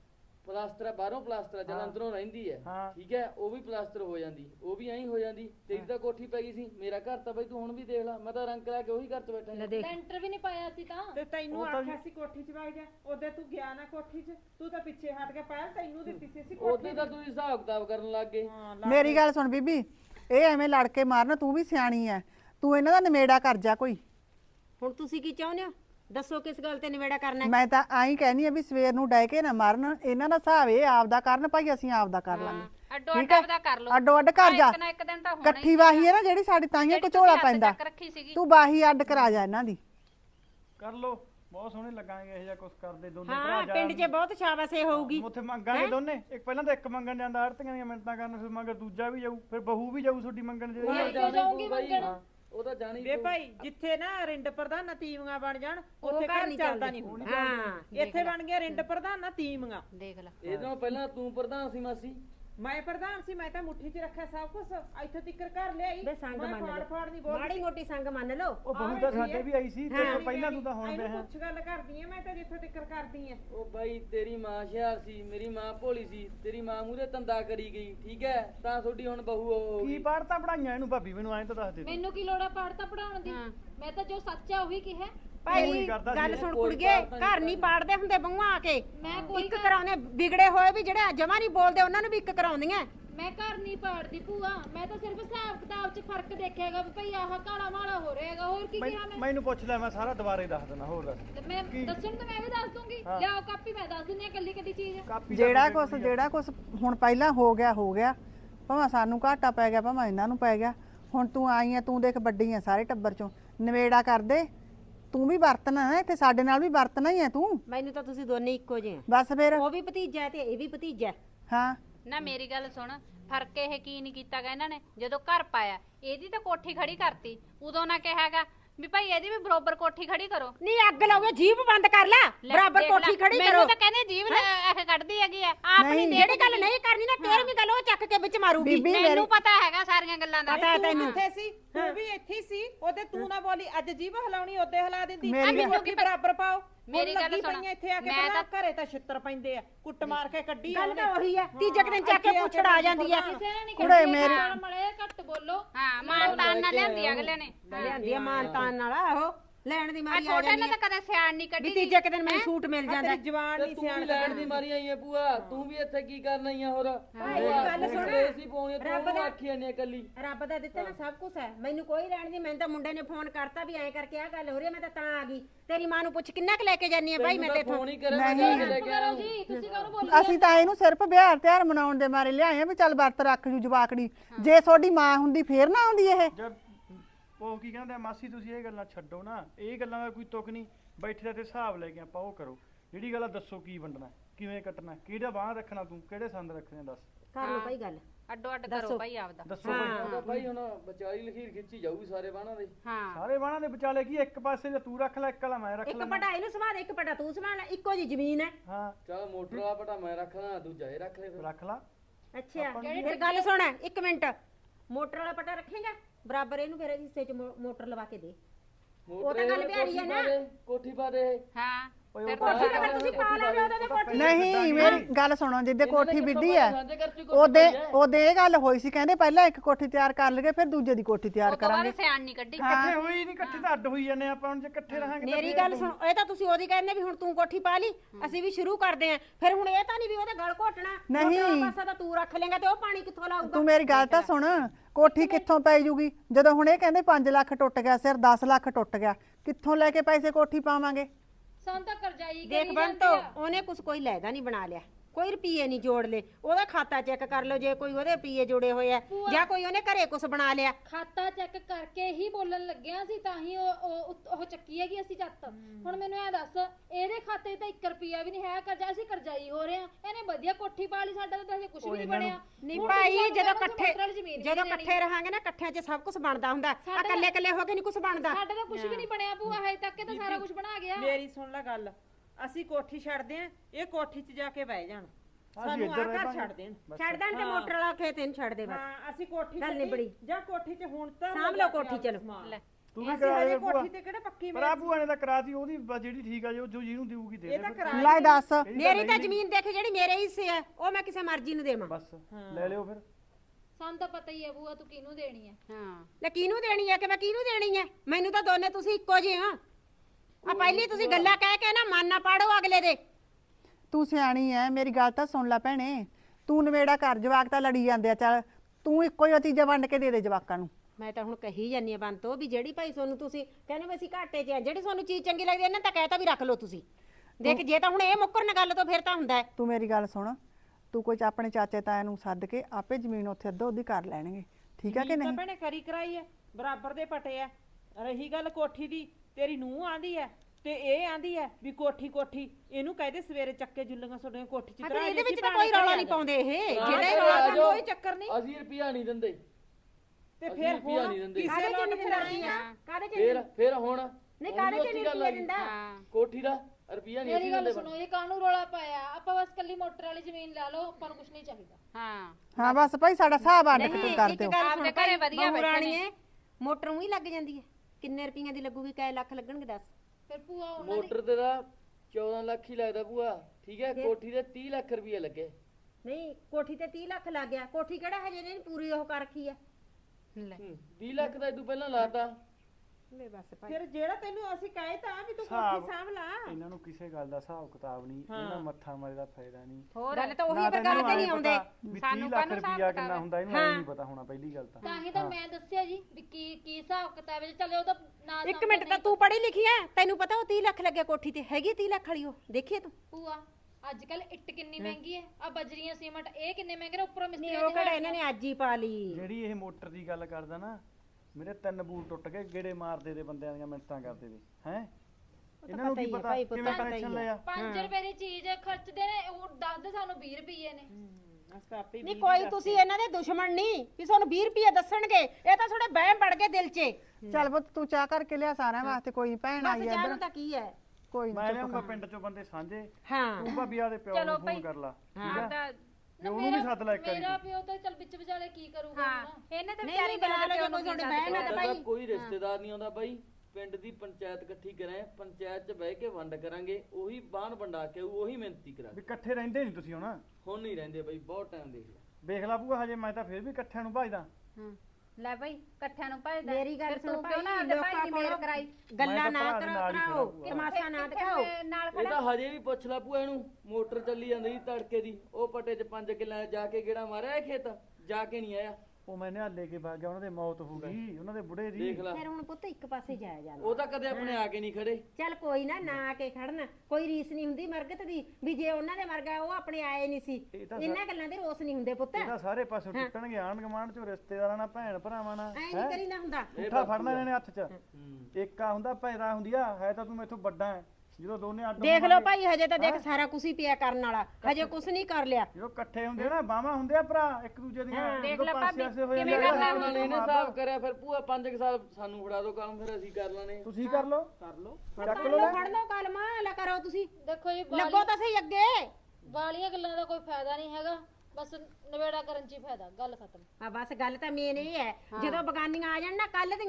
S7: ਪਲਾਸਟਰ ਆ, ਬਾਹਰੋਂ ਪਲਾਸਟਰ ਆ, ਚੱਲ ਅੰਦਰੋਂ ਰਹਿੰਦੀ ਹੈ,
S3: ਹਾਂ।
S7: ਠੀਕ ਹੈ? ਉਹ ਵੀ ਪਲਾਸਟਰ ਹੋ ਜਾਂਦੀ, ਉਹ ਵੀ ਐਂ ਹੋ ਜਾਂਦੀ। ਤੇਰੀ ਤਾਂ ਕੋਠੀ ਪੈ ਗਈ ਸੀ, ਮੇਰਾ ਘਰ ਤਾਂ ਬਾਈ ਤੂੰ ਹੁਣ ਵੀ ਦੇਖ ਲੈ, ਮੈਂ ਤਾਂ ਰੰਗ ਕਰਾ ਕੇ ਉਹੀ ਘਰ 'ਚ ਬੈਠਾ
S1: ਲੈ ਦੇਖ,
S6: ਲੈਂਟਰ ਵੀ ਨਹੀਂ ਪਾਇਆ ਸੀ ਤਾਂ।
S2: ਤੇ ਤੈਨੂੰ
S3: ਉਹ ਤਾਂ
S2: ਆਖਿਆ ਸੀ ਕੋਠੀ 'ਚ ਵਗ ਜਾ, ਉਹਦੇ ਤੂੰ ਗਿਆ ਨਾ ਕੋਠੀ 'ਚ, ਤੂੰ ਤਾਂ ਪਿੱਛੇ ਹਟ ਕੇ ਪਾਇਆ, ਤੈਨੂੰ ਦਿੱਤੀ ਸੀ ਅਸੀਂ ਕੋਠੀ।
S7: ਉਹਦੇ ਤਾਂ ਤੁਸੀਂ ਹਿਸਾਬ ਕਿਤਾਬ ਕਰਨ ਲੱਗ ਗਏ।
S4: ਮੇਰੀ ਗੱਲ ਸੁਣ ਬੀਬੀ, ਇਹ ਐਵੇਂ ਲੜ ਕੇ ਮਾਰਨ, ਤੂੰ ਵੀ ਸਿਆਣੀ ਐ, ਤੂੰ ਇਹਨਾਂ ਦਾ ਨਿਮੇੜਾ ਕਰ ਜਾ ਕੋਈ।
S1: ਹੁਣ ਤੁਸੀਂ ਕੀ ਚਾਹੁੰਦੇ ਹੋ? ਦੱਸੋ ਕਿਸ ਗੱਲ ਤੇ ਨਿਬੇੜਾ ਕਰਨਾ ਹੈ?
S4: ਮੈਂ ਤਾਂ ਆਈ ਕਹਿਨੀ ਆ ਵੀ ਸਵੇਰ ਨੂੰ ਡੈ ਕੇ ਨਾ ਮਾਰਨ, ਇਹਨਾਂ ਦਾ ਹਿਸਾਬ ਇਹ ਆਪਦਾ ਕਰਨ ਭਾਈ, ਅਸੀਂ ਆਪਦਾ ਕਰ ਲਾਂਗੇ।
S5: ਅੱਡੋ
S4: ਠੀਕ
S5: ਅੱਡ
S4: ਹੈ?
S5: ਆਪਦਾ ਕਰ ਲਓ।
S4: ਅੱਡੋ ਅੱਡ ਕਰ ਜਾ।
S5: ਇੱਕ ਨਾ ਇੱਕ ਦਿਨ ਤਾਂ ਹੋਣਾ ਹੀ
S4: ਇਕੱਠੀ ਵਾਹੀ ਹੈ ਨਾ ਜਿਹੜੀ ਸਾਡੀ, ਤਾਈਓ
S5: ਜਿਹੜੀ
S4: ਕਚੋਲਾ
S5: ਤੁਸੀਂ ਹੱਥ
S4: ਪੈਂਦਾ।
S5: ਚੱਕ ਰੱਖੀ ਸੀਗੀ।
S4: ਤੂੰ ਵਾਹੀ ਅੱਡ ਕਰਾ ਜਾ ਇਹਨਾਂ ਦੀ।
S3: ਕਰ ਲੋ, ਬਹੁਤ ਸੋਹਣੇ ਲੱਗਾਂਗੇ ਇਹ ਜਿਹਾ ਕੁਝ ਕਰਦੇ ਦੋਨੇ ਭਰਾ।
S1: ਹਾਂ, ਪਿੰਡ 'ਚ ਬਹੁਤ ਸ਼ਾਬਾਸ਼ੇ ਹੋਊਗੀ।
S3: ਉੱਥੇ ਮੰਗਾਂਗੇ ਦੋਨੇ, ਇੱਕ ਪਹਿਲਾਂ ਤਾਂ ਇੱਕ ਮੰਗਣ ਜਾਂਦਾ, ਆੜਤੀਆਂ ਦੀਆਂ ਮਿੰਟਾਂ ਕਰਨ, ਫਿਰ ਮਗਰ ਦੂਜਾ ਵੀ ਜਾਊ, ਫਿਰ ਬਹੂ ਵੀ ਜਾਊ ਤੁਹਾਡੀ ਮੰਗਣ
S7: ਉਹ ਤਾਂ
S3: ਜਿਹੜੀ।
S7: ਜਾਣੀ
S6: ਜਾਊਗੀ
S7: ਪਊ ਬਾਈ,
S6: ਮੰਗਣ।
S7: ਉਹ ਤਾਂ ਜਾਣੀ
S2: ਵੇ
S7: ਪਊ।
S2: ਭਾਈ ਜਿੱਥੇ ਨਾ ਰਿੰਡ ਪ੍ਰਧਾਨਾਂ ਤੀਵੀਆਂ ਬਣ ਜਾਣ,
S1: ਉਹ
S2: ਉੱਥੇ
S1: ਘਰ
S2: ਘਰ
S1: ਨਹੀਂ
S2: ਚੱਲਦਾ
S1: ਚੱਲਦਾ।
S2: ਨਹੀਂ ਹੁੰਦਾ।
S1: ਹਾਂ,
S2: ਇੱਥੇ ਬਣ ਗਿਆ ਰਿੰਡ ਪ੍ਰਧਾਨਾਂ ਤੀਵੀਆਂ।
S5: ਦੇਖ ਲੈ।
S7: ਇਹਦੋਂ ਪਹਿਲਾਂ ਤੂੰ ਪ੍ਰਧਾਨ ਸੀ ਮਾਸੀ।
S2: ਮੈਂ ਪ੍ਰਧਾਨ ਸੀ, ਮੈਂ ਤਾਂ ਮੁੱਠੀ 'ਚ ਰੱਖਿਆ ਸਭ ਕੁਝ, ਇੱਥੇ ਤੀਕਰ ਘਰ ਲਿਆਈ।
S1: ਵੇ ਸੰਗ
S2: ਮੈਂ
S1: ਮੰਨ
S2: ਫਾੜ
S1: ਲਓ,
S2: ਨਹੀਂ ਬੋਲਦੀ।
S1: ਮਾੜੀ ਮੋਟੀ ਸੰਗ ਮੰਨ ਲਓ।
S3: ਉਹ ਬਹੂ ਤਾਂ ਸਾਡੇ ਵੀ ਆਈ ਸੀ, ਤੇ ਪਹਿਲਾਂ ਤੂੰ ਤਾਂ ਹੁਣ
S2: ਇਹਨੂੰ
S3: ਪਿਆ।
S2: ਪੁੱਛ ਗੱਲ ਕਰਦੀ ਆ, ਮੈਂ ਤਾਂ ਜਿੱਥੋਂ ਤੀਕਰ ਕਰਦੀ ਆ।
S7: ਉਹ ਬਾਈ ਤੇਰੀ ਮਾਂ ਹੁਸ਼ਿਆਰ ਸੀ, ਮੇਰੀ ਮਾਂ ਭੋਲੀ ਸੀ, ਤੇਰੀ ਮਾਂ ਮੂਹਰੇ ਧੰਦਾ ਕਰੀ ਗਈ, ਠੀਕ ਹੈ? ਤਾਂ ਤੁਹਾਡੀ ਹੁਣ ਬਹੂ ਹੋ
S3: ਕੀ
S7: ਗਈ।
S3: ਪੜ੍ਹਤਾ ਪੜਾਈਆਂ ਇਹਨੂੰ ਭਾਬੀ, ਮੈਨੂੰ ਐਂ ਤਾਂ ਦੱਸ ਦੇ ਤੂੰ।
S6: ਮੈਨੂੰ ਕੀ ਲੋੜ ਆ ਪੜ੍ਹਤਾ ਪੜਾਉਣ ਦੀ? ਮੈਂ ਤਾਂ ਜੋ ਸੱਚ ਆ ਉਹੀ ਕਿਹਾ।
S1: ਭਾਈ
S3: ਕਰਦਾ
S1: ਗੱਲ
S3: ਸੀ,
S1: ਸੁਣ
S7: ਕੋਈ
S1: ਕੁੜੀਏ,
S7: ਬਾਤ ਨਹੀਂ
S1: ਘਰ ਨਹੀਂ ਪਾੜਦੇ ਹੁੰਦੇ ਬਹੂਆਂ ਆ ਕੇ।
S6: ਮੈਂ ਕੋਈ
S1: ਇੱਕ ਕਰਾਉਣੇ ਵਿਗੜੇ ਹੋਏ ਵੀ ਜਿਹੜੇ ਜਮਾ ਨਹੀਂ ਬੋਲਦੇ, ਉਹਨਾਂ ਨੂੰ ਵੀ ਇੱਕ ਕਰਾਉਂਦੀਆਂ।
S6: ਮੈਂ ਘਰ ਨਹੀਂ ਪਾੜਦੀ ਭੂਆ, ਮੈਂ ਤਾਂ ਸਿਰਫ ਹਿਸਾਬ ਕਿਤਾਬ 'ਚ ਫਰਕ ਦੇਖਿਆਗਾ ਵੀ ਭਈ ਆਹ ਕਾਲਾ ਮਾਲਾ ਹੋ ਰਿਹਾਗਾ, ਹੋਰ ਕੀ ਕਿਹਾ ਮੈਂ?
S3: ਮੈਨੂੰ ਪੁੱਛ ਲੈ, ਮੈਂ ਸਾਰਾ ਦੁਬਾਰੇ ਦੱਸ ਦੇਣਾ। ਹੋਰ ਦੱਸ।
S6: ਤੇ ਮੈਂ ਦੱਸਣ ਤਾਂ ਮੈਂ ਵੀ ਦੱਸ ਦੂੰਗੀ। ਲਿਆਓ ਕਾਪੀ, ਮੈਂ ਦੱਸ ਦਿੰਦੀ ਆ ਕੱਲੀ ਕੱਲੀ ਚੀਜ਼।
S3: ਕਾਪੀ
S4: ਜਿਹੜਾ ਕੁਛ ਹੁਣ ਪਹਿਲਾਂ ਹੋ ਗਿਆ, ਭਾਵੇਂ ਸਾਨੂੰ ਘਾਟਾ ਪੈ ਗਿਆ, ਭਾਵੇਂ ਇਹਨਾਂ ਨੂੰ ਪੈ ਗਿਆ। ਹੁਣ ਤੂੰ ਆਈ ਆ, ਤੂੰ ਦੇਖ ਵੱਡੀ ਆ ਸਾਰੇ ਟੱਬਰ ਚੋਂ, ਨਿਬੇੜਾ ਕਰ ਦੇ। ਤੂੰ ਵੀ ਵਰਤਣਾ ਹੈ ਤੇ ਸਾਡੇ ਨਾਲ ਵੀ ਵਰਤਣਾ ਹੀ ਹੈ ਤੂੰ।
S1: ਮੈਨੂੰ ਤਾਂ ਤੁਸੀਂ ਦੋਨੇ ਇੱਕੋ ਜਿਹੇ ਆ।
S4: ਬਸ ਫਿਰ।
S1: ਉਹ ਵੀ ਭਤੀਜਾ ਹੈ ਤੇ ਇਹ ਵੀ ਭਤੀਜਾ ਹੈ।
S4: ਹਾਂ
S5: ਨਾ ਮੇਰੀ ਗੱਲ ਸੁਣ, ਫਰਕ ਇਹ ਕੀ ਨਹੀਂ ਕੀਤਾਗਾ ਇਹਨਾਂ ਨੇ? ਜਦੋਂ ਘਰ ਪਾਇਆ ਇਹਦੀ ਤਾਂ ਕੋਠੀ ਖੜੀ ਕਰਤੀ, ਉਦੋਂ ਨਾ ਕਿਹਾਗਾ ਵੀ ਭਾਈ ਇਹਦੀ ਵੀ ਬਰੋਬਰ ਕੋਠੀ ਖੜੀ ਕਰੋ।
S1: ਨਹੀਂ ਅੱਗ ਲਾਓਗੇ, ਜੀਭ ਬੰਦ ਕਰ ਲੈ,
S5: ਲੈ
S1: ਬਰਾਬਰ
S5: ਦੇਖ ਲੈ,
S1: ਕੋਠੀ ਖੜੀ ਕਰੋ।
S5: ਮੈਨੂੰ ਤਾਂ ਕਹਿੰਦੇ ਜੀਵ ਇਹ ਕੱਢਦੀ ਹੈਗੀ ਆ ਆਪਣੀ ਦੇ
S1: ਜਿਹੜੀ ਗੱਲ ਨਹੀਂ ਕਰਨੀ ਨਾ, 13ਵੀਂ ਗੱਲ ਉਹ ਚੱਕ ਕੇ ਵਿੱਚ ਮਾਰੂਗੀ।
S4: ਬੀਬੀ
S5: ਮੈਨੂੰ ਪਤਾ ਹੈਗਾ ਸਾਰੀਆਂ ਗੱਲਾਂ ਦਾ।
S1: ਪਤਾ ਹੈ ਤੈਨੂੰ।
S2: ਇੱਥੇ ਸੀ, ਤੂੰ ਵੀ ਇੱਥੇ ਹੀ ਸੀ, ਉਹਦੇ ਤੂੰ ਨਾ ਬੋਲੀ। ਅੱਜ ਜੀਭ ਹਿਲਾਉਣੀ ਉਹਦੇ ਹਿਲਾ ਦਿੰਦੀ।
S4: ਮੇਰੀ
S2: ਮੈਨੂੰ ਕੀ ਬਰਾਬਰ ਪਾਓ।
S5: ਮੇਰੀ ਗੱਲ ਸੁਣ,
S2: ਪਈਆਂ ਇੱਥੇ ਆ ਕੇ
S5: ਮੈਂ
S2: ਬਣਾ, ਘਰੇ ਤਾਂ ਛਿੱਤਰ ਪੈਂਦੇ ਆ, ਕੁੱਟ ਮਾਰ ਕੇ ਕੱਢੀ
S1: ਗੱਲ
S2: ਉਹਨੇ।
S1: ਤਾਂ ਉਹੀ ਹੈ, ਤੀਜੇ ਕੁ ਦਿਨ ਚੱਕ ਕੇ ਪੁੱਛੜ ਆ ਜਾਂਦੀ ਹੈ।
S6: ਕਿਸੇ ਨੇ ਨਹੀਂ
S4: ਕੁੜੇ ਮੇਰੀ
S6: ਮੜੇ ਘੱਟ ਬੋਲੋ।
S5: ਹਾਂ, ਮਾਨ ਤਾਨ ਨਾਲ ਲਿਆਂਦੀ ਅਗਲੇ ਨੇ।
S1: ਲਿਆਂਦੀ ਆ ਮਾਨ ਤਾਨ ਨਾਲ। ਆਹੋ ਲੈਣ ਦੀ
S5: ਆ
S1: ਮਾਰੀ ਆ
S5: ਛੋਟੇ ਨੇ
S1: ਜਾਂਦੀ
S5: ਤਾਂ ਕਦੇ ਸਿਆਣ ਨਹੀਂ
S1: ਵੀ
S5: ਕੱਢੀ।
S1: ਤੀਜੇ ਕੁ ਦਿਨ ਮੈਨੂੰ ਸੂਟ ਮਿਲ ਜਾਂਦਾ।
S2: ਤੇਰੀ ਜਵਾਨ
S7: ਤੇ
S2: ਨਹੀਂ
S7: ਤੂੰ ਵੀ
S2: ਸਿਆਣ
S7: ਲੈਣ ਦੀ ਮਾਰੀ ਆਈ ਹੈ ਭੂਆ, ਤੂੰ ਵੀ ਇੱਥੇ ਕੀ ਕਰਨ ਆਈ ਆ? ਹੋਰ
S1: ਭਾਈ ਗੱਲ ਸੁਣ,
S7: ਸੀ ਪਾਉਣੀ
S1: ਰੱਬ
S7: ਤੂੰ
S1: ਦਾ-
S7: ਆਖੀ ਜਾਂਦੀ ਆ ਕੱਲੀ।
S1: ਰੱਬ ਦਾ ਦਿੱਤਾ ਨਾ ਸਭ ਕੁਝ ਹੈ, ਮੈਨੂੰ ਕੋਈ ਲੈਣ ਦੀ। ਮੈਨੂੰ ਤਾਂ ਮੁੰਡੇ ਨੇ ਫੋਨ ਕਰਤਾ ਵੀ ਐਂ ਕਰਕੇ ਆ ਗੱਲ ਹੋ ਰਹੀ ਹੈ, ਮੈਂ ਤਾਂ ਆ ਗਈ। ਤੇਰੀ ਮਾਂ ਨੂੰ ਪੁੱਛ ਕਿੰਨਾ ਕੁ ਲੈ ਕੇ ਜਾਨੀ ਹੈ ਭਾਈ ਮੈਂ
S7: ਤੈਨੂੰ ਤਾਂ
S1: ਤੇਥੋਂ।
S7: ਫੋਨ ਹੀ ਕਰਿਆ, ਮੈਂ ਜਾ ਕੇ ਲੈ ਕੇ ਆਇਆ ਹੂੰ।
S6: ਜੀ ਤੁਸੀਂ ਕਾਹਨੂੰ ਬੋਲੀ?
S4: ਅਸੀਂ ਤਾਂ ਇਹਨੂੰ ਸਿਰਫ ਵਿਆਹ ਤਿਉਹਾਰ ਮਨਾਉਣ ਦੇ ਮਾਰੇ ਲਿਆਏ ਆ ਵੀ ਚੱਲ ਵਰਤ ਰੱਖ ਜੂ ਜਵਾਕੜੀ। ਜੇ ਤੁਹਾਡੀ ਮਾਂ ਹੁੰਦੀ ਫੇਰ ਨਾ ਆਉਂਦੀ ਇਹ।
S3: ਜਦ ਉਹ ਕੀ ਕਹਿੰਦੇ ਆ, ਮਾਸੀ ਤੁਸੀਂ ਇਹ ਗੱਲਾਂ ਛੱਡੋ ਨਾ, ਇਹ ਗੱਲਾਂ ਦਾ ਕੋਈ ਤੁਕ ਨਹੀਂ। ਬੈਠੇ ਦਾ ਤੇ ਹਿਸਾਬ ਲੈ ਕੇ ਆਪਾਂ ਉਹ ਕਰੋ। ਜਿਹੜੀ ਗੱਲ ਆ ਦੱਸੋ, ਕੀ ਵੰਡਣਾ, ਕਿਵੇਂ ਕੱਟਣਾ, ਕਿਹੜਾ ਬਾਹ ਰੱਖਣਾ, ਤੂੰ ਕਿਹੜੇ ਸੰਦ ਰੱਖਣੇ, ਦੱਸ।
S1: ਕਰ ਲਓ ਭਾਈ ਗੱਲ।
S5: ਅੱਡੋ ਅੱਡ ਕਰੋ ਭਾਈ ਆਪਦਾ।
S3: ਦੱਸੋ ਭਾਈ।
S7: ਉਹਦਾ ਭਾਈ ਹੁਣ ਵਿਚਾਲੀ ਲਖੀਰ ਖਿੱਚੀ ਜਾਊਗੀ ਸਾਰੇ ਬਾਣਾ ਦੇ।
S5: ਹਾਂ,
S3: ਸਾਰੇ ਬਾਹਾਂ ਦੇ ਵਿਚਾਲੇ ਕੀ, ਇੱਕ ਪਾਸੇ ਜੇ ਤੂੰ ਰੱਖ ਲੈ, ਇੱਕ ਵਾਲਾ ਮੈਂ ਰੱਖ
S1: ਇੱਕ
S3: ਲੈ।
S1: ਪਟਾ ਇਹਨੂੰ ਸੰਭਾਲ, ਇੱਕ ਪਟਾ ਤੂੰ ਸੰਭਾਲ, ਇੱਕੋ ਜੀ ਜ਼ਮੀਨ ਹੈ।
S3: ਹਾਂ
S7: ਚਲ ਮੋਟਰ ਵਾਲਾ ਪਟਾ ਮੈਂ ਰੱਖਣਾ, ਦੂਜਾ ਇਹ ਰੱਖ ਲੈ ਫਿਰ।
S3: ਰੱਖ ਲਾ।
S1: ਅੱਛਾ ਫਿਰ ਗੱਲ ਸੁਣ, ਇੱਕ ਮਿੰਟ। ਮੋਟਰ ਵਾਲਾ ਪਟਾ ਰੱਖੇਗਾ ਬਰਾਬਰ, ਇਹਨੂੰ ਫਿਰ ਹਿੱਸੇ 'ਚ ਮੋਟਰ ਲਵਾ ਕੇ ਦੇ। ਉਹ ਤਾਂ ਗੱਲ
S7: ਇਹ
S1: ਪਿਆਰੀ ਆ
S7: ਕੋਠੀ
S1: ਨਾ।
S7: ਪਾ ਦੇ, ਕੋਠੀ ਪਾ ਦੇ।
S5: ਹਾਂ
S3: ਓਏ
S7: ਫਿਰ
S1: ਕੋਠੀ ਤਾਂ ਫਿਰ ਤੁਸੀਂ ਪਾ ਲੈਣੇ ਉਹਦੇ ਤੇ ਕੋਠੀ।
S4: ਨਹੀਂ ਮੇਰੀ ਗੱਲ ਸੁਣੋ, ਜਿੱਦੇ
S7: ਇਹਨਾਂ ਨੇ
S4: ਕੋਠੀ
S7: ਕਿੱਥੋਂ
S4: ਵਿੱਢੀ ਐ
S7: ਸਾਂਝੇ ਘਰ 'ਚ ਹੀ ਕੋਠੀ
S4: ਉਹਦੇ
S7: ਪਾਈ ਐ।
S4: ਉਹਦੇ ਇਹ ਗੱਲ ਹੋਈ ਸੀ, ਕਹਿੰਦੇ ਪਹਿਲਾਂ ਇੱਕ ਕੋਠੀ ਤਿਆਰ ਕਰ ਲਈਏ ਫਿਰ ਦੂਜੇ ਦੀ ਕੋਠੀ ਤਿਆਰ
S5: ਉਹ ਤੋਂ ਬਾਅਦ
S4: ਕਰਾਂਗੇ।
S5: ਸਿਆਣ ਨਹੀਂ ਕੱਢੀ
S3: ਇਕੱਠੇ ਹੋਈ ਨਹੀਂ, ਇਕੱਠੇ ਤਾਂ ਅੱਡ ਹੋਈ ਜਾਂਦੇ ਆਪਾਂ ਹੁਣ, ਜੇ ਇਕੱਠੇ ਰਹਾਂਗੇ ਤਾਂ
S1: ਮੇਰੀ
S3: ਫੇਰ
S1: ਗੱਲ ਸੁਣ, ਇਹ ਤਾਂ ਤੁਸੀਂ ਉਹਦੀ ਕਹਿੰਦੇ ਵੀ ਹੁਣ ਤੂੰ ਕੋਠੀ ਪਾ ਲਈ, ਅਸੀਂ ਵੀ ਸ਼ੁਰੂ ਕਰਦੇ ਆਂ। ਫਿਰ ਹੁਣ ਇਹ ਤਾਂ ਨਹੀਂ ਵੀ ਉਹਦੇ ਗਲ ਘੋਟਣਾ,
S4: ਨਹੀਂ।
S1: ਮੋਟਰ ਪਾਸਾ ਤਾਂ ਤੂੰ ਰੱਖ ਲੇਗਾ ਤੇ ਉਹ ਪਾਣੀ ਕਿੱਥੋਂ ਲਾਊਗਾ?
S4: ਤੂੰ ਮੇਰੀ ਗੱਲ ਤਾਂ ਸੁਣ, ਕੋਠੀ ਕਿੱਥੋਂ ਪੈ ਜੂਗੀ ਜਦੋਂ ਹੁਣ ਇਹ ਕਹਿੰਦੇ 5 ਲੱਖ ਟੁੱਟ ਗਿਆ, ਸਿਰ 10 ਲੱਖ ਟੁੱਟ ਗਿਆ, ਕਿੱਥੋਂ ਲੈ ਕੇ ਪੈਸੇ ਕੋਠੀ ਪਾਵਾਂਗੇ?
S6: ਸਾਨੂੰ ਤਾਂ ਕਰਜ਼ਾਈ
S1: ਦੇਖ
S6: ਕਰੀ
S1: ਬੰਤੋ,
S6: ਜਾਂਦੇ ਆ।
S1: ਉਹਨੇ ਕੁਛ ਕੋਈ ਲੈਦਾ ਨਹੀਂ ਬਣਾ ਲਿਆ, ਕੋਈ ਰੁਪਈਏ ਨਹੀਂ ਜੋੜ ਲੇ। ਉਹਦਾ ਖਾਤਾ ਚੈੱਕ ਕਰ ਲਓ ਜੇ ਕੋਈ ਉਹਦੇ ਰੁਪਈਏ ਜੋੜੇ ਹੋਏ ਆ, ਜਾਂ ਕੋਈ ਉਹਨੇ ਘਰੇ ਕੁਛ ਬਣਾ ਲਿਆ।
S6: ਖਾਤਾ ਚੈੱਕ ਕਰਕੇ ਹੀ ਬੋਲਣ ਲੱਗਿਆ ਸੀ, ਤਾਂ ਹੀ ਉਹ ਚੱਕੀ ਹੈਗੀ ਅਸੀਂ ਚੱਤ। ਹੁਣ ਮੈਨੂੰ ਐ ਦੱਸ, ਇਹਦੇ ਖਾਤੇ 'ਚ ਤਾਂ 1 ਰੁਪਿਆ ਵੀ ਨਹੀਂ ਹੈ, ਕਰਜ਼ਾ ਅਸੀਂ ਕਰਜ਼ਾਈ ਹੋ ਰਹੇ ਆ। ਇਹਨੇ ਵਧੀਆ ਕੋਠੀ ਪਾ ਲਈ, ਸਾਡਾ ਤਾਂ ਹਜੇ ਕੁਝ ਵੀ ਨਹੀਂ ਬਣਿਆ।
S1: ਨਹੀਂ
S6: ਹੁਣ
S1: ਭਾਈ,
S6: ਤੁਸੀਂ
S1: ਜਦੋਂ
S6: ਸਾਨੂੰ
S1: ਇਕੱਠੇ
S6: ਮੋਟਰ ਵਾਲੀ ਜ਼ਮੀਨ ਵੀ
S1: ਜਦੋਂ
S6: ਨਹੀਂ
S1: ਇਕੱਠੇ ਰਹਾਂਗੇ ਨਾ, ਇਕੱਠਿਆਂ 'ਚ ਸਭ ਕੁਝ ਬਣਦਾ ਹੁੰਦਾ। ਆ ਇਕੱਲੇ ਇਕੱਲੇ ਹੋ ਕੇ ਨਹੀਂ ਕੁਝ ਬਣਦਾ।
S6: ਸਾਡਾ ਤਾਂ ਕੁਝ ਵੀ ਨਹੀਂ ਬਣਿਆ ਭੂਆ, ਹਜੇ ਤੱਕ ਇਹ ਤਾਂ ਸਾਰਾ ਕੁਝ ਬਣਾ ਗਿਆ।
S2: ਮੇਰੀ ਸੁਣ ਲੈ ਗੱਲ, ਅਸੀਂ ਕੋਠੀ ਛੱਡਦੇ ਆਂ, ਇਹ ਕੋਠੀ 'ਚ ਜਾ ਕੇ ਬਹਿ ਜਾਣ,
S3: ਅਸੀਂ
S2: ਸਾਨੂੰ
S3: ਇੱਧਰ
S2: ਆ
S3: ਰਹਿ
S2: ਘਰ
S3: ਪਾਂਗੇ।
S2: ਛੱਡ ਦੇਣ।
S1: ਛੱਡ ਦੇਣ ਤੇ ਮੋਟਰ ਵਾਲਾ ਖੇਤ ਇਹਨੂੰ ਛੱਡ ਦੇ ਬਸ।
S2: ਹਾਂ, ਅਸੀਂ ਕੋਠੀ 'ਚ
S1: ਗੱਲ
S2: ਨਹੀਂ,
S1: ਨਿਬੜੀ।
S2: ਜਾਂ ਕੋਠੀ 'ਚ ਹੁਣ ਤਾਂ
S1: ਸਾਂਭ ਲਓ ਕੋਠੀ, ਚਲੋ।
S3: ਤੂੰ ਵੀ
S2: ਅਸੀਂ
S3: ਕਰਾ
S2: ਹਜੇ
S3: ਦੇ ਭੂਆ,
S2: ਕੋਠੀ ਤੇ ਕਿਹੜਾ ਪੱਕੀ
S3: ਪਰ ਆ ਭੂਆ ਨੇ ਤਾਂ ਕਰਾਤੀ, ਉਹਦੀ ਜਿਹੜੀ ਠੀਕ ਆ, ਜੋ ਜਿਹਨੂੰ ਦੇਊਗੀ ਦੇ
S2: ਇਹ
S3: ਦੇ
S2: ਤਾਂ
S3: ਫਿਰ।
S2: ਕਰਾ
S4: ਲੈ ਦੱਸ,
S1: ਮੇਰੀ ਤਾਂ ਜ਼ਮੀਨ ਦੇਖ, ਜਿਹੜੀ ਮੇਰੇ ਹਿੱਸੇ ਆ ਉਹ ਮੈਂ ਕਿਸੇ ਮਰਜ਼ੀ ਨੂੰ ਦੇਵਾਂ।
S3: ਬਸ ਲੈ ਲਿਓ ਫਿਰ।
S6: ਸਾਨੂੰ ਤਾਂ ਪਤਾ ਹੀ ਹੈ ਭੂਆ ਤੂੰ ਕਿਹਨੂੰ ਦੇਣੀ ਹੈ।
S5: ਹਾਂ
S1: ਲੈ ਕਿਹਨੂੰ ਦੇਣੀ ਹੈ ਕਿ ਮੈਂ ਕਿਹਨੂੰ ਦੇਣੀ ਹੈ? ਮੈਨੂੰ ਤਾਂ ਦੋਨੇ ਤੁਸੀਂ ਇੱਕੋ ਜਿਹੇ ਹੋ। ਆ ਪਹਿਲੀ ਤੁਸੀਂ ਗੱਲਾਂ ਕਹਿ ਕੇ ਨਾ ਮਨ ਨਾ ਪਾੜੋ ਅਗਲੇ ਦੇ।
S4: ਤੂੰ ਸਿਆਣੀ ਐ, ਮੇਰੀ ਗੱਲ ਤਾਂ ਸੁਣ ਲੈ ਭੈਣੇ, ਤੂੰ ਨਵੇੜਾ ਕਰ, ਜਵਾਕ ਤਾਂ ਲੜੀ ਜਾਂਦੇ ਆ, ਚੱਲ ਤੂੰ ਇੱਕੋ ਹੀ ਨਤੀਜਾ ਵੰਡ ਕੇ ਦੇ ਦੇ ਜਵਾਕਾਂ ਨੂੰ।
S1: ਮੈਂ ਤਾਂ ਹੁਣ ਕਹੀ ਜਾਨੀ ਆ ਬੰਤੋ ਵੀ ਜਿਹੜੀ ਭਾਈ ਤੁਹਾਨੂੰ ਤੁਸੀਂ ਕਹਿੰਦੇ ਵੀ ਅਸੀਂ ਘਾਟੇ 'ਚ ਆ, ਜਿਹੜੀ ਤੁਹਾਨੂੰ ਚੀਜ਼ ਚੰਗੀ ਲੱਗਦੀ ਇਹਨਾਂ ਤਾਂ ਕਹਿਤਾ ਵੀ ਰੱਖ ਲਓ ਤੁਸੀਂ। ਦੇਖ ਜੇ ਤਾਂ ਹੁਣ ਇਹ ਮੁੱਕਰਨ ਗੱਲ ਤੋਂ ਫਿਰ ਤਾਂ ਹੁੰਦਾ ਹੈ।
S4: ਤੂੰ ਮੇਰੀ ਗੱਲ ਸੁਣ, ਤੂੰ ਕੋਈ ਆਪਣੇ ਚਾਚੇ ਤਾਇਆ ਨੂੰ ਸੱਦ ਕੇ ਆਪੇ ਜ਼ਮੀਨ ਉੱਥੇ ਅੱਧੋ ਅੱਧੀ ਕਰ ਲੈਣਗੇ, ਠੀਕ ਹੈ ਕਿ
S2: ਤਾਂ
S4: ਨਹੀਂ?
S2: ਭੈਣੇ ਕਰੀ ਕਰਾਈ ਐ, ਬਰਾਬਰ ਦੇ ਪਟੇ ਐ। ਰਹੀ ਗੱਲ ਕੋਠੀ ਦੀ, ਤੇਰੀ ਨੂੰਹ ਆਂਦੀ ਐ ਤੇ ਇਹ ਆਂਦੀ ਐ ਵੀ ਕੋਠੀ ਕੋਠੀ, ਇਹਨੂੰ ਕਹਦੇ ਸਵੇਰੇ ਚੱਕੇ ਜੁੱਲੀਆਂ ਤੁਹਾਡੀਆਂ ਕੋਠੀ 'ਚ
S1: ਹਾਂ,
S2: ਤਰਾ
S1: ਫਿਰ ਇਹਦੇ ਵਿੱਚ ਤਾਂ ਕੋਈ ਰੌਲਾ ਨਹੀਂ ਪਾਉਂਦੇ ਇਹ, ਜਿਹੜਾ ਹੀ ਰੌਲਾ
S2: ਤਾਂ ਕੋਈ ਚੱਕਰ ਨਹੀਂ।
S7: ਅਸੀਂ ਰੁਪਿਆ ਨਹੀਂ ਦਿੰਦੇ,
S2: ਤੇ
S7: ਅਸੀਂ
S2: ਫਿਰ
S7: ਰੁਪਈਆ
S2: ਹੁਣ
S7: ਨਹੀਂ ਦਿੰਦੇ।
S2: ਕਿਸੇ
S1: ਕਾਹਦੇ
S2: ਲੋਟ
S1: 'ਚ
S2: ਫਿਰ
S1: ਨਹੀਂ
S2: ਆਈ ਆ।
S1: ਕਾਹਦੇ 'ਚ
S7: ਫਿਰ ਹੁਣ
S1: ਨਹੀਂ,
S7: ਹੁਣ
S1: ਕਾਹਦੇ
S7: ਵੀ
S1: 'ਚ
S7: ਉੱਥੇ
S1: ਨਹੀਂ
S7: ਗੱਲ
S1: ਰੁਪਈਆ
S7: ਆ ਗਈ।
S1: ਦਿੰਦਾ?
S7: ਕੋਠੀ ਦਾ ਰੁਪਿਆ ਨਹੀਂ
S6: ਮੇਰੀ
S7: ਅਸੀਂ
S6: ਗੱਲ
S7: ਦਿੰਦੇ।
S6: ਸੁਣੋ, ਇਹ ਕਾਹਨੂੰ ਰੋਲਾ ਪਾਇਆ? ਆਪਾਂ ਬਸ ਕੱਲੀ ਮੋਟਰ ਵਾਲੀ ਜ਼ਮੀਨ ਲੈ ਲਓ, ਆਪਾਂ ਨੂੰ ਕੁਝ ਨਹੀਂ ਚਾਹੀਦਾ।
S5: ਹਾਂ
S4: ਹਾਂ ਬਸ ਭਾਈ ਸਾਡਾ ਹਿਸਾਬ ਅੱਡ
S1: ਨਹੀਂ,
S4: ਕਟੂ ਕਰ
S1: ਇੱਕ
S4: ਦਿਓ।
S1: ਗੱਲ
S5: ਆਪਦੇ
S1: ਸੁਣ
S5: ਘਰੇ ਵਧੀਆ
S1: ਬਹੂ
S5: ਬੈਠੇ
S1: ਰਾਣੀ ਹੈ, ਮੋਟਰ ਉਹੀ ਲੱਗ ਜਾਂਦੀ ਹੈ। ਕਿੰਨੇ ਰੁਪਈਆਂ ਦੀ ਲੱਗੂਗੀ, ਕੈ ਲੱਖ ਲੱਗਣਗੇ ਦੱਸ?
S6: ਫਿਰ ਭੂਆ ਉਹਨਾਂ ਦੀ
S7: ਮੋਟਰ ਤੇ ਦਾ 14 ਲੱਖ ਹੀ ਲੱਗਦਾ ਭੂਆ, ਠੀਕ ਹੈ। ਕੋਠੀ ਦੇ 30 ਲੱਖ ਰੁਪਏ ਲੱਗੇ।
S1: ਨਹੀਂ, ਕੋਠੀ ਤੇ 30 ਲੱਖ ਲੱਗ ਗਿਆ। ਕੋਠੀ ਕਿਹੜਾ ਹਜੇ ਨਹੀਂ ਪੂਰੀ ਉਹ ਕਰ ਰੱਖੀ ਹੈ।
S5: ਲੈ
S7: 20 ਲੱਖ ਦਾ ਇਦੋਂ ਪਹਿਲਾਂ ਲਾਤਾ।
S1: ਲੈ ਬਸ ਭਾਈ,
S2: ਫਿਰ ਜਿਹੜਾ ਤੈਨੂੰ ਅਸੀਂ ਕਹੇ ਤਾਂ ਵੀ ਤੂੰ
S3: ਹਿਸਾਬ-
S2: ਕੋਠੀ ਸਾਂਭ ਲਾ।
S3: ਇਹਨਾਂ ਨੂੰ ਕਿਸੇ ਗੱਲ ਦਾ ਹਿਸਾਬ ਕਿਤਾਬ ਨਹੀਂ, ਇਹਨਾਂ ਮੱਥਾ ਮਾਰੇ ਦਾ ਫਾਇਦਾ ਨਹੀਂ।
S5: ਹੋਰ
S1: ਗੱਲ ਤਾਂ ਉਹੀ
S3: ਨਾ
S1: ਪਰ
S3: ਤਾਂ
S1: ਗੱਲ
S3: ਇਹਨੂੰ
S1: ਤੇ ਨਹੀਂ
S3: ਐਂ
S1: ਆਉਂਦੇ।
S3: ਪਤਾ ਵੀ 30
S5: ਸਾਨੂੰ
S3: ਲੱਖ
S5: ਕਾਹਨੂੰ ਹਿਸਾਬ
S3: ਰੁਪਈਆ ਕਿੰਨਾ
S5: ਕਿਤਾਬ
S3: ਹੁੰਦਾ, ਇਹਨੂੰ ਐ ਨਹੀਂ ਪਤਾ ਹੋਣਾ ਪਹਿਲੀ ਗੱਲ ਤਾਂ।
S6: ਤਾਂ ਹੀ ਤਾਂ ਮੈਂ ਦੱਸਿਆ ਜੀ ਵੀ ਕੀ ਹਿਸਾਬ ਕਿਤਾਬ ਹੈ। ਚੱਲੇ ਉਹ ਤਾਂ ਨਾ
S1: ਇੱਕ ਮਿੰਟ, ਤਾਂ ਤੂੰ ਪੜ੍ਹੀ ਲਿਖੀ ਹੈ, ਤੈਨੂੰ ਪਤਾ ਉਹ 30 ਲੱਖ ਲੱਗਿਆ ਕੋਠੀ ਤੇ? ਹੈਗੀ 30 ਲੱਖ ਵਾਲੀ ਉਹ, ਦੇਖੀਏ ਤੂੰ।
S6: ਭੂਆ ਅੱਜ ਕੱਲ ਇੱਟ ਕਿੰਨੀ ਮਹਿੰਗੀ ਹੈ, ਆ ਬਜਰੀਆਂ ਸੀਮੈਂਟ ਇਹ ਕਿੰਨੇ ਮਹਿੰਗੇ ਨੇ, ਉੱਪਰੋਂ
S1: ਨਹੀਂ,
S6: ਮਿਸਤਰੀਆਂ
S1: ਉਹ
S6: ਦੀ
S1: ਕਿਹੜਾ ਇਹਨਾਂ ਨੇ ਅੱਜ ਹੀ ਪਾ ਲਈ।
S3: ਜਿਹੜੀ ਇਹ ਮੋਟਰ ਦੀ ਗੱਲ ਕਰਦਾ ਨਾ, ਮੇਰੇ 3 ਬੂਟ ਟੁੱਟ ਗਏ, ਗੇੜੇ ਮਾਰਦੇ ਦੇ ਬੰਦਿਆਂ ਦੀਆਂ ਮਿੰਤਾਂ ਕਰਦੇ ਦੇ ਹੈ। ਇਹਨਾਂ ਨੂੰ
S1: ਪਤਾ
S3: ਕੀ
S1: ਹੀ ਹੈ
S3: ਪਤਾ
S1: ਭਾਈ, ਪੁੱਤ
S3: ਕਿਵੇਂ
S1: ਪਤਾ ਹੀ
S3: ਕਨੈਕਸ਼ਨ
S1: ਹੈ।
S3: ਲਿਆ।
S6: 5 ਰੁਪਏ ਦੀ ਚੀਜ਼ ਖਰਚਦੇ ਨੇ, ਉਹ ਦੱਸਦੇ ਸਾਨੂੰ 20 ਰੁਪਏ ਨੇ।
S2: ਅਸੀਂ ਤਾਂ ਆਪੇ
S1: ਨਹੀਂ, ਕੋਈ ਤੁਸੀਂ ਇਹਨਾਂ ਦੇ ਦੁਸ਼ਮਣ ਨਹੀਂ ਵੀ ਤੁਹਾਨੂੰ 20 ਰੁਪਏ ਦੱਸਣਗੇ। ਇਹ ਤਾਂ ਥੋੜੇ ਵਹਿਮ ਵੜ ਗਏ ਦਿਲ 'ਚ।
S4: ਚੱਲ ਪੁੱਤ ਤੂੰ ਚਾਹ ਕਰਕੇ ਲਿਆ ਸਾਰਿਆਂ ਵਾਸਤੇ, ਕੋਈ ਭੈਣ
S1: ਬਸ
S4: ਆਈ ਆ
S1: ਚਾਹ ਨੂੰ
S4: ਇੱਧਰ,
S1: ਤਾਂ ਕੀ ਹੈ।
S4: ਕੋਈ
S3: ਮੈਂ
S4: ਨਹੀਂ
S3: ਲਿਆਉਂਗਾ ਪਿੰਡ ਚੋਂ ਬੰਦੇ ਸਾਂਝੇ,
S1: ਹਾਂ
S3: ਤੂੰ ਭਾਬੀ ਆਦੇ ਪਿਓ ਨੂੰ ਫੋਨ ਕਰ ਲਾ, ਠੀਕ
S5: ਹਾਂ
S3: ਹੈ।
S5: ਤਾਂ
S3: ਤੇ ਉਹਨੂੰ ਵੀ ਸੱਦ ਲੈ ਇੱਕ ਵਾਰੀ
S6: ਮੇਰਾ ਪਿਓ ਤਾਂ ਚੱਲ ਵਿੱਚ ਵਿਚਾਲੇ ਕੀ ਕਰੂਗਾ
S5: ਹਾਂ
S6: ਹੁਣ?
S5: ਇਹਨੇ ਤਾਂ
S1: ਨਹੀਂ,
S5: ਵਿਚਾਰੀ
S1: ਨਹੀਂ, ਬਣਾ
S5: ਗੱਲ
S1: ਲਓ,
S5: ਪਿਓ
S1: ਜੇ
S5: ਨੂੰ
S1: ਕੋਈ ਤੁਹਾਡੇ
S5: ਕੀ
S1: ਬਹਿਮ ਹੈ ਤਾਂ
S7: ਸਾਡਾ
S1: ਭਾਈ।
S7: ਕੋਈ ਰਿਸ਼ਤੇਦਾਰ ਨਹੀਂ ਆਉਂਦਾ ਬਾਈ। ਪਿੰਡ ਦੀ ਪੰਚਾਇਤ ਇਕੱਠੀ ਕਰਾਂ, ਪੰਚਾਇਤ 'ਚ ਬਹਿ ਕੇ ਵੰਡ ਕਰਾਂਗੇ, ਉਹੀ ਬਾਣ ਵੰਡਾ ਕੇ ਉਹੀ ਮਿਹਨਤੀ ਕਰਾਂਗੇ।
S3: ਵੀ ਇਕੱਠੇ ਰਹਿੰਦੇ ਨਹੀਂ ਤੁਸੀਂ ਹੁਣ।
S7: ਹੁਣ ਨਹੀਂ ਰਹਿੰਦੇ ਬਾਈ, ਬਹੁਤ ਟਾਈਮ ਦੇਖ ਲਿਆ।
S3: ਵੇਖ ਲਾ ਭੂਆ, ਹਜੇ ਮੈਂ ਤਾਂ ਫਿਰ ਵੀ ਇਕੱਠਿਆਂ ਨੂੰ ਭਜਦਾ।
S5: ਹਾਂ ਲੈ ਬਈ ਇਕੱਠਿਆਂ ਨੂੰ ਭਜਦਾ।
S1: ਮੇਰੀ ਗੱਲ
S5: ਫਿਰ
S1: ਸੁਣ
S5: ਤੂੰ ਕਿਉਂ ਨਾ
S1: ਭਾਈ,
S5: ਆਪਦੇ ਭਾਈ
S1: ਲੋਕਾਂ
S5: ਦੀ ਮੇਰ
S1: ਕੋਲੋਂ
S5: ਕਰਾਈ?
S1: ਗੱਲਾਂ
S3: ਮੈਂ
S1: ਨਾ
S3: ਤਾਂ ਭਰਾ ਦੇ ਨਾਲ ਹੀ
S1: ਕਰਾਓ,
S3: ਖੜਾ
S1: ਤਮਾਸ਼ਾ ਨਾ ਦਿਖਾਓ।
S5: ਨਾਲ
S7: ਇਹ ਤਾਂ ਹਜੇ ਵੀ ਪੁੱਛ ਲਾ ਭੂਆ ਇਹਨੂੰ, ਮੋਟਰ ਚੱਲੀ ਜਾਂਦੀ ਸੀ ਤੜਕੇ ਦੀ, ਉਹ ਪੱਟੇ 'ਚ 5 ਕਿੱਲਿਆਂ 'ਚ ਜਾ ਕੇ ਗੇੜਾ ਮਾਰਿਆ ਇਹ ਖੇਤ, ਜਾ ਕੇ ਨਹੀਂ ਆਇਆ।
S3: ਉਹ ਮੈਂ ਨਿਹਾਲੇ ਕੇ ਵਗ ਗਿਆ, ਉਹਨਾਂ ਦੇ ਮੌਤ ਹੋ ਗਈ, ਉਹਨਾਂ ਦੇ ਬੁੜੇ ਦੀ।
S7: ਦੇਖ ਲਾ,
S1: ਫਿਰ ਹੁਣ ਪੁੱਤ ਇੱਕ ਪਾਸੇ ਜਾਇਆ ਜਾਂਦਾ।
S7: ਉਹ ਤਾਂ ਕਦੇ ਆਪਣੇ ਆ ਕੇ ਨਹੀਂ ਖੜੇ।
S1: ਚੱਲ ਕੋਈ ਨਾ, ਨਾ ਆ ਕੇ ਖੜਨ, ਕੋਈ ਰੀਸ ਨਹੀਂ ਹੁੰਦੀ ਮਰਗਤ ਦੀ ਵੀ ਜੇ ਉਹਨਾਂ ਦੇ ਮਰ ਗਏ ਉਹ ਆਪਣੇ ਆਏ ਨਹੀਂ ਸੀ।
S3: ਇਹ ਤਾਂ
S1: ਇਹਨਾਂ ਗੱਲਾਂ ਦੇ ਰੋਸ ਨਹੀਂ ਹੁੰਦੇ ਪੁੱਤ।
S3: ਇਹ ਤਾਂ ਸਾਰੇ ਪਾਸੋਂ ਟੁੱਟਣਗੇ, ਆਂਢ ਗੁਆਂਢ ਚੋਂ, ਰਿਸ਼ਤੇਦਾਰਾਂ ਨਾਲ, ਭੈਣ ਭਰਾਵਾਂ ਨਾਲ।
S1: ਐ ਨਹੀਂ ਕਰੀ ਨਾ ਹੁੰਦਾ।
S3: ਪੁੱਠਾ ਫੜਨਾ ਇਹਨਾਂ ਨੇ ਹੱਥ 'ਚ।
S7: ਹੂੰ
S3: ਏਕਾ ਹੁੰਦਾ ਭੈਦਾ ਹੁੰਦੀ ਆ, ਹੈ ਤਾਂ ਤੂੰ ਮੈਥੋਂ ਵੱਡਾ ਹੈ। ਜਦੋਂ ਦੋਨੇ ਅੱਡ
S1: ਦੇਖ ਲਓ
S3: ਹੋਵਾਂਗੇ,
S1: ਭਾਈ, ਹਜੇ ਤਾਂ ਦੇਖ ਸਾਰਾ ਕੁਝ ਹੀ ਪਿਆ ਕਰਨ ਵਾਲਾ, ਹਜੇ ਕੁਝ ਨਹੀਂ ਕਰ ਲਿਆ।
S3: ਜਦੋਂ ਇਕੱਠੇ ਹੁੰਦੇ ਆ ਨਾ, ਬਾਹਾਂ ਹੁੰਦੇ ਆ ਭਰਾ ਇੱਕ ਦੂਜੇ ਦੀਆਂ।
S5: ਦੇਖ
S3: ਜਦੋਂ
S5: ਲੈ
S3: ਪਾਸੇ
S5: ਭਾਬੀ,
S3: ਆਸੇ ਹੋ
S5: ਕਿਵੇਂ
S3: ਜਾਂਦੇ ਆ,
S5: ਕਰਨਾ
S7: ਉਹਨਾਂ ਨੇ ਇਹਨੇ ਹਿਸਾਬ ਕਰਿਆ, ਫਿਰ ਭੂਆ 5 ਸਾਲ ਸਾਨੂੰ ਫੜਾ ਦਿਓ ਕੰਮ, ਫਿਰ ਅਸੀਂ ਕਰ ਲਾਂਗੇ।
S3: ਤੁਸੀਂ ਕਰ ਲਓ,
S2: ਕਰ ਲੋ।
S3: ਚੱਕ ਲਓ ਲੈ।
S1: ਫੜ ਲਓ ਕਲਮਾ, ਲੈ ਕਰੋ ਤੁਸੀਂ,
S6: ਦੇਖੋ ਜੀ
S1: ਲੱਗੋ ਤਾਂ ਸਹੀ ਅੱਗੇ।
S6: ਵਾਲੀਆਂ ਗੱਲਾਂ ਦਾ ਕੋਈ ਫਾਇਦਾ ਨਹੀਂ ਹੈਗਾ, ਬਸ ਨਵੇੜਾ ਕਰਨ 'ਚ ਹੀ ਫਾਇਦਾ, ਗੱਲ ਖਤਮ।
S1: ਆ ਬਸ ਗੱਲ ਤਾਂ ਮੇਨ ਇਹ ਹੈ, ਜਦੋਂ ਬਗਾਨੀਆਂ ਆ ਜਾਣ ਨਾ ਕੱਲ ਦੀਆਂ,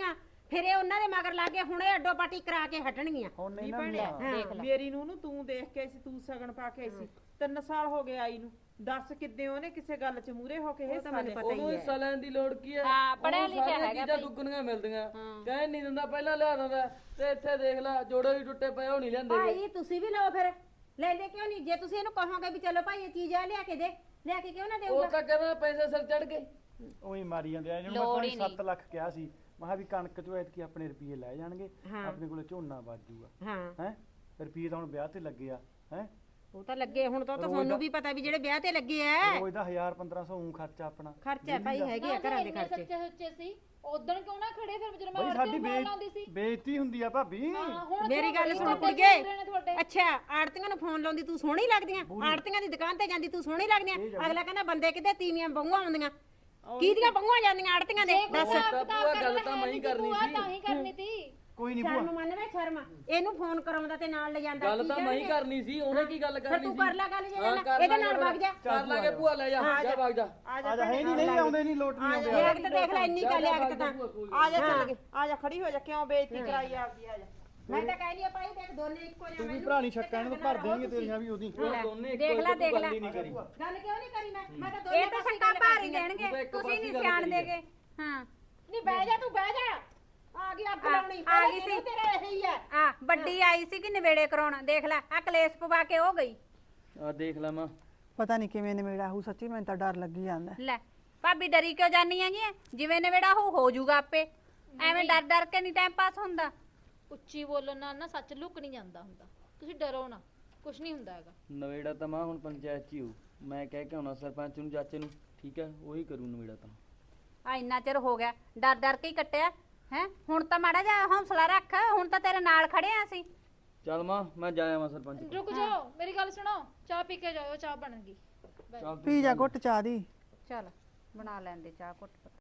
S1: ਫਿਰ ਇਹ ਉਹਨਾਂ ਦੇ ਮਗਰ ਲੱਗ ਗਏ, ਹੁਣ ਇਹ ਅੱਡੋ ਪਾਟੀ ਕਰਾ ਕੇ ਹਟਣਗੀਆਂ।
S3: ਹੁਣ
S2: ਨਹੀਂ
S3: ਇਹਨਾਂ
S2: ਭੈਣੇ
S3: ਦੀਆਂ
S1: ਦੇਖ ਲੈ।
S2: ਮੇਰੀ ਨੂੰ ਤੂੰ ਦੇਖ ਕੇ ਆਈ ਸੀ, ਤੂੰ ਸਗਨ ਪਾ ਕੇ ਆਈ ਸੀ, 3 ਸਾਲ ਹੋ ਗਏ ਆਈ ਨੂੰ। ਦੱਸ ਕਿੱਦੇ ਉਹਨੇ ਕਿਸੇ ਗੱਲ 'ਚ ਮੂਰੇ ਹੋ ਕੇ
S1: ਉਹ ਤਾਂ
S2: ਹਿੱਸਾ
S1: ਮੈਨੂੰ
S2: ਲਿਆ।
S1: ਪਤਾ ਹੀ
S7: ਉਹਨੂੰ
S1: ਹੈ।
S7: ਹਿੱਸਾ ਲੈਣ ਦੀ ਲੋੜ ਕੀ ਹੈ?
S5: ਹਾਂ, ਪੜ੍ਹਿਆ
S7: ਉਹਨੂੰ
S5: ਲਿਖਿਆ
S7: ਸਾਰੀਆਂ
S5: ਹੈਗਾ
S7: ਚੀਜ਼ਾਂ
S5: ਭਾਈ।
S7: ਦੁੱਗਣੀਆਂ ਮਿਲਦੀਆਂ। ਕਹਿ ਨਹੀਂ ਦਿੰਦਾ, ਪਹਿਲਾਂ ਲਿਆ ਦਿੰਦਾ। ਤੇ ਇੱਥੇ ਦੇਖ ਲੈ, ਜੋੜੇ ਵੀ ਟੁੱਟੇ ਪਏ, ਉਹ ਨਹੀਂ ਲੈਂਦੇ ਗੇ।
S1: ਭਾਈ ਤੁਸੀਂ ਵੀ ਲਓ ਫਿਰ, ਲੈਂਦੇ ਕਿਉਂ ਨਹੀਂ? ਜੇ ਤੁਸੀਂ ਇਹਨੂੰ ਕਹੋਗੇ ਵੀ ਚਲੋ ਭਾਈ ਇਹ ਚੀਜ਼ ਆ ਲਿਆ ਕੇ ਦੇ, ਲਿਆ ਕੇ ਕਿਉਂ ਨਾ
S7: ਉਹ
S1: ਦੇਊਗਾ?
S7: ਤਾਂ ਕਹਿੰਦਾ ਪੈਸੇ ਸਿਰ ਚੜ ਗਏ।
S3: ਉਹੀ ਮਾਰੀ ਜਾਂਦੇ ਆ ਇਹਨੂੰ।
S5: ਲੋੜ
S3: ਮੈਂ
S5: ਹੀ
S3: 7 ਲੱਖ ਕਿਹਾ ਸੀ, ਮੈਂ ਕਿਹਾ ਵੀ ਕਣਕ ਚੋਂ ਐਤਕੀ ਆਪਣੇ ਰੁਪਏ ਲੈ ਜਾਣਗੇ,
S1: ਹਾਂ।
S3: ਆਪਣੇ ਕੋਲੇ ਝੋਨਾ ਵੱਜ ਜੂਗਾ
S1: ਹਾਂ
S3: ਹੈ। ਰੁਪਏ ਤਾਂ ਹੁਣ ਵਿਆਹ ਤੇ ਲੱਗੇ ਆ ਹੈ।
S1: ਉਹ ਤਾਂ ਲੱਗੇ ਹੁਣ ਤਾਂ
S3: ਰੋਜ਼
S1: ਤੁਹਾਨੂੰ
S3: ਦਾ-
S1: ਵੀ ਪਤਾ ਵੀ ਜਿਹੜੇ ਵਿਆਹ ਤੇ ਲੱਗੇ ਐ
S3: ਰੋਜ਼ ਦਾ 1000-1500 ਊਂ ਖਰਚਾ ਆਪਣਾ
S1: ਖਰਚਾ ਭਾਈ ਹੈਗੇ ਆ ਘਰਾਂ ਦੇ
S6: ਇੰਨੇ
S1: ਖਰਚੇ।
S6: ਸੱਚੇ ਸੁੱਚੇ ਸੀ ਉਦੋਂ ਕਿਉਂ ਨਾ ਖੜੇ ਫਿਰ ਜਦੋਂ ਮੈਂ
S3: ਬਈ
S6: ਆੜਤੀ
S3: ਸਾਡੀ
S6: ਨੂੰ ਫੋਨ ਲਾਉਂਦੀ ਸੀ।
S3: ਬੇਇੱਜ਼ਤੀ ਹੁੰਦੀ ਆ ਭਾਬੀ।
S6: ਹਾਂ, ਹੁਣ
S1: ਮੇਰੀ
S6: ਕਿਉਂ
S1: ਗੱਲ
S6: ਬੜੀ
S1: ਸੁਣ
S6: ਬੰਦੇ
S1: ਕੁੜੀਏ,
S6: ਪੂਰੇ ਨੇ ਤੁਹਾਡੇ।
S1: ਅੱਛਾ ਆੜਤੀਆਂ ਨੂੰ ਫੋਨ ਲਾਉਂਦੀ ਤੂੰ ਸੋਹਣੀ ਲੱਗਦੀਆਂ? ਆੜਤੀਆਂ ਦੀ ਦੁਕਾਨ ਤੇ ਜਾਂਦੀ ਤੂੰ ਸੋਹਣੀ ਲੱਗਦੀਆਂ? ਅਗਲਾ ਕਹਿੰਦਾ ਬੰਦੇ ਕਿਤੇ ਤੀਵੀਆਂ ਬੰਗੂਆਂ ਆਉਂਦੀਆਂ, ਕਿਹਦੀਆਂ ਬੰਗੂਆਂ ਜਾਂਦੀਆਂ ਆੜਤੀਆਂ ਦੇ? ਦੱਸ।
S7: ਤਾਂ ਭੂਆ ਗੱਲ ਤਾਂ ਮੈਂ ਹੀ ਕਰਨੀ ਸੀ।
S6: ਤਾਂ ਹੀ ਕਰਨੀ ਸੀ।
S3: ਕੋਈ ਨਹੀਂ
S1: ਸ਼ਰਮ
S3: ਭੂਆ,
S1: ਮੰਨ ਵੇ ਸ਼ਰਮ, ਇਹਨੂੰ ਫੋਨ ਕਰਾਉਂਦਾ ਤੇ ਨਾਲ ਲੈ ਜਾਂਦਾ।
S7: ਗੱਲ
S1: ਕੀ
S7: ਤਾਂ ਮੈਂ ਹੀ
S1: ਕਹਿਣਗੇ?
S7: ਕਰਨੀ ਸੀ, ਉਹਨੇ ਕੀ ਗੱਲ
S1: ਫਿਰ
S7: ਕਰਨੀ
S1: ਤੂੰ
S7: ਸੀ?
S1: ਕਰ ਲੈ ਗੱਲ ਜੇ
S7: ਹਾਂ, ਕਰ
S1: ਇਹਦੇ
S7: ਲਾਂਗੇ
S1: ਨਾਲ
S7: ਫਿਰ।
S1: ਵਗ ਜਾ।
S7: ਕਰ ਲਾਂਗੇ ਭੂਆ, ਲੈ ਜਾ ਜਾ ਵਗ ਜਾ।
S2: ਆ
S3: ਆ ਜਾ। ਹੈ ਨਹੀਂ ਆਉਂਦੇ ਨਹੀਂ ਲੋਟ ਨਹੀਂ ਆਉਂਦੇ।
S1: ਲਿਆਕਤ ਦੇਖ ਲੈ, ਇੰਨੀ ਗੱਲ ਲਿਆਕਤ ਤਾਂ।
S2: ਆ ਜਾ ਚੱਲ ਗਏ, ਆ ਜਾ ਖੜੀ ਹੋ ਜਾ, ਕਿਉਂ ਬੇਇੱਜ਼ਤੀ ਕਰਾਈ ਆਪਦੀ? ਆ ਜਾ।
S1: ਮੈਂ ਤਾਂ ਕਹਿ ਆ ਭਾਈ ਦੇਖ ਦੋਨੇ ਇੱਕੋ ਜਿਹੇ
S3: ਤੂੰ ਵੀ
S1: ਮੈਨੂੰ
S3: ਭਰਾ ਨਹੀਂ ਛੱਕਾਂ ਇਹਨੂੰ ਭਰ ਦੇਣਗੇ ਤੇਰੀਆਂ ਵੀ ਉਹਦੀ।
S7: ਉਹ ਦੋਨੇ ਇੱਕੋ
S1: ਦੇਖ ਲੈ,
S7: ਇੱਕ
S1: ਦੇਖ
S7: ਗੱਲ
S1: ਲੈ।
S7: ਹੀ ਨਹੀਂ ਕਰੀ।
S1: ਗੱਲ ਕਿਉਂ ਨਹੀਂ ਕਰੀ ਮੈਂ ਤਾਂ ਦੋਨੇ
S8: ਇਹ ਤਾਂ ਸੱਕਾ ਭਾਰ ਹੀ ਦੇਣਗੇ,
S7: ਤੂੰ ਤਾਂ ਇੱਕ
S8: ਤੁਸੀਂ
S7: ਪਾਸੇ
S8: ਨਹੀਂ
S7: ਗੱਲ
S8: ਸਿਆਣ
S7: ਕਰੀ
S8: ਦੇਗੇ। ਹਾਂ
S1: ਨਹੀਂ ਬਹਿ ਜਾ, ਤੂੰ ਬਹਿ ਜਾ। ਆ ਗਈ ਅੱਗ ਲਾਉਣੀ,
S8: ਆ ਗਈ ਸੀ।
S1: ਤੇਰਾ ਇਹੀ ਹੈ।
S8: ਆ ਵੱਡੀ ਆਈ ਸੀ ਕਿ ਨਵੇੜੇ ਕਰਾਉਣ, ਦੇਖ ਲੈ ਆ ਕਲੇਸ਼ ਪਵਾ ਕੇ ਉਹ ਗਈ।
S7: ਆ ਦੇਖ ਲੈ ਮਾਂ,
S4: ਪਤਾ ਨਹੀਂ ਕਿਵੇਂ ਨਿਮੇੜਾ ਹੋਊ, ਸੱਚੀ ਮੈਨੂੰ ਤਾਂ ਡਰ ਲੱਗੀ ਜਾਂਦਾ।
S8: ਲੈ ਭਾਬੀ ਡਰੀ ਕਿਉਂ ਜਾਨੀ ਹੈਗੀ ਐ? ਜਿਵੇਂ ਨਵੇੜਾ ਹੋ ਜਾਊਗਾ ਆਪੇ। ਐਵੇਂ ਡਰ ਡਰ ਕੇ ਨਹੀਂ ਟਾਈਮ ਪਾਸ ਹੁੰਦਾ।
S6: ਉੱਚੀ ਬੋਲਣ ਨਾਲ ਨਾ ਸੱਚ ਲੁਕ ਨਹੀਂ ਜਾਂਦਾ ਹੁੰਦਾ। ਤੁਸੀਂ ਡਰੋ ਨਾ, ਕੁਝ ਨਹੀਂ ਹੁੰਦਾ ਹੈਗਾ।
S7: ਨਵੇੜਾ ਤਾਂ ਮਾਂ ਹੁਣ ਪੰਚਾਇਤ 'ਚ ਹੀ ਹੋਊ। ਮੈਂ ਕਹਿ ਕੇ ਆਉਣਾ ਸਰਪੰਚ ਨੂੰ, ਚਾਚੇ ਨੂੰ, ਠੀਕ ਹੈ? ਉਹੀ ਕਰੂ ਨਵੇੜਾ ਤਾਂ।
S8: ਆ ਇੰਨਾ ਚਿਰ ਹੋ ਗਿਆ ਡਰ ਡਰ ਕੇ ਹੀ ਕੱਟਿਆ ਹੈ। ਹੁਣ ਤਾਂ ਮਾੜਾ ਜਿਹਾ ਹੌਸਲਾ ਰੱਖ, ਹੁਣ ਤਾਂ ਤੇਰੇ ਨਾਲ ਖੜੇ ਆ ਅਸੀਂ।
S7: ਚੱਲ ਮਾਂ, ਮੈਂ ਜਾਇਆ ਮਾਂ ਸਰਪੰਚ ਕੋਲ।
S6: ਰੁਕ ਜਾਓ, ਮੇਰੀ ਗੱਲ ਸੁਣੋ। ਚਾਹ ਪੀ ਕੇ ਜਾਓ, ਚਾਹ ਬਣ ਗਈ।
S7: ਚੱਲ ਤੂੰ
S4: ਪੀ ਜਾ ਘੁੱਟ ਚਾਹ ਦੀ।
S8: ਚੱਲ ਬਣਾ ਲੈਂਦੇ ਚਾਹ ਘੁੱਟ।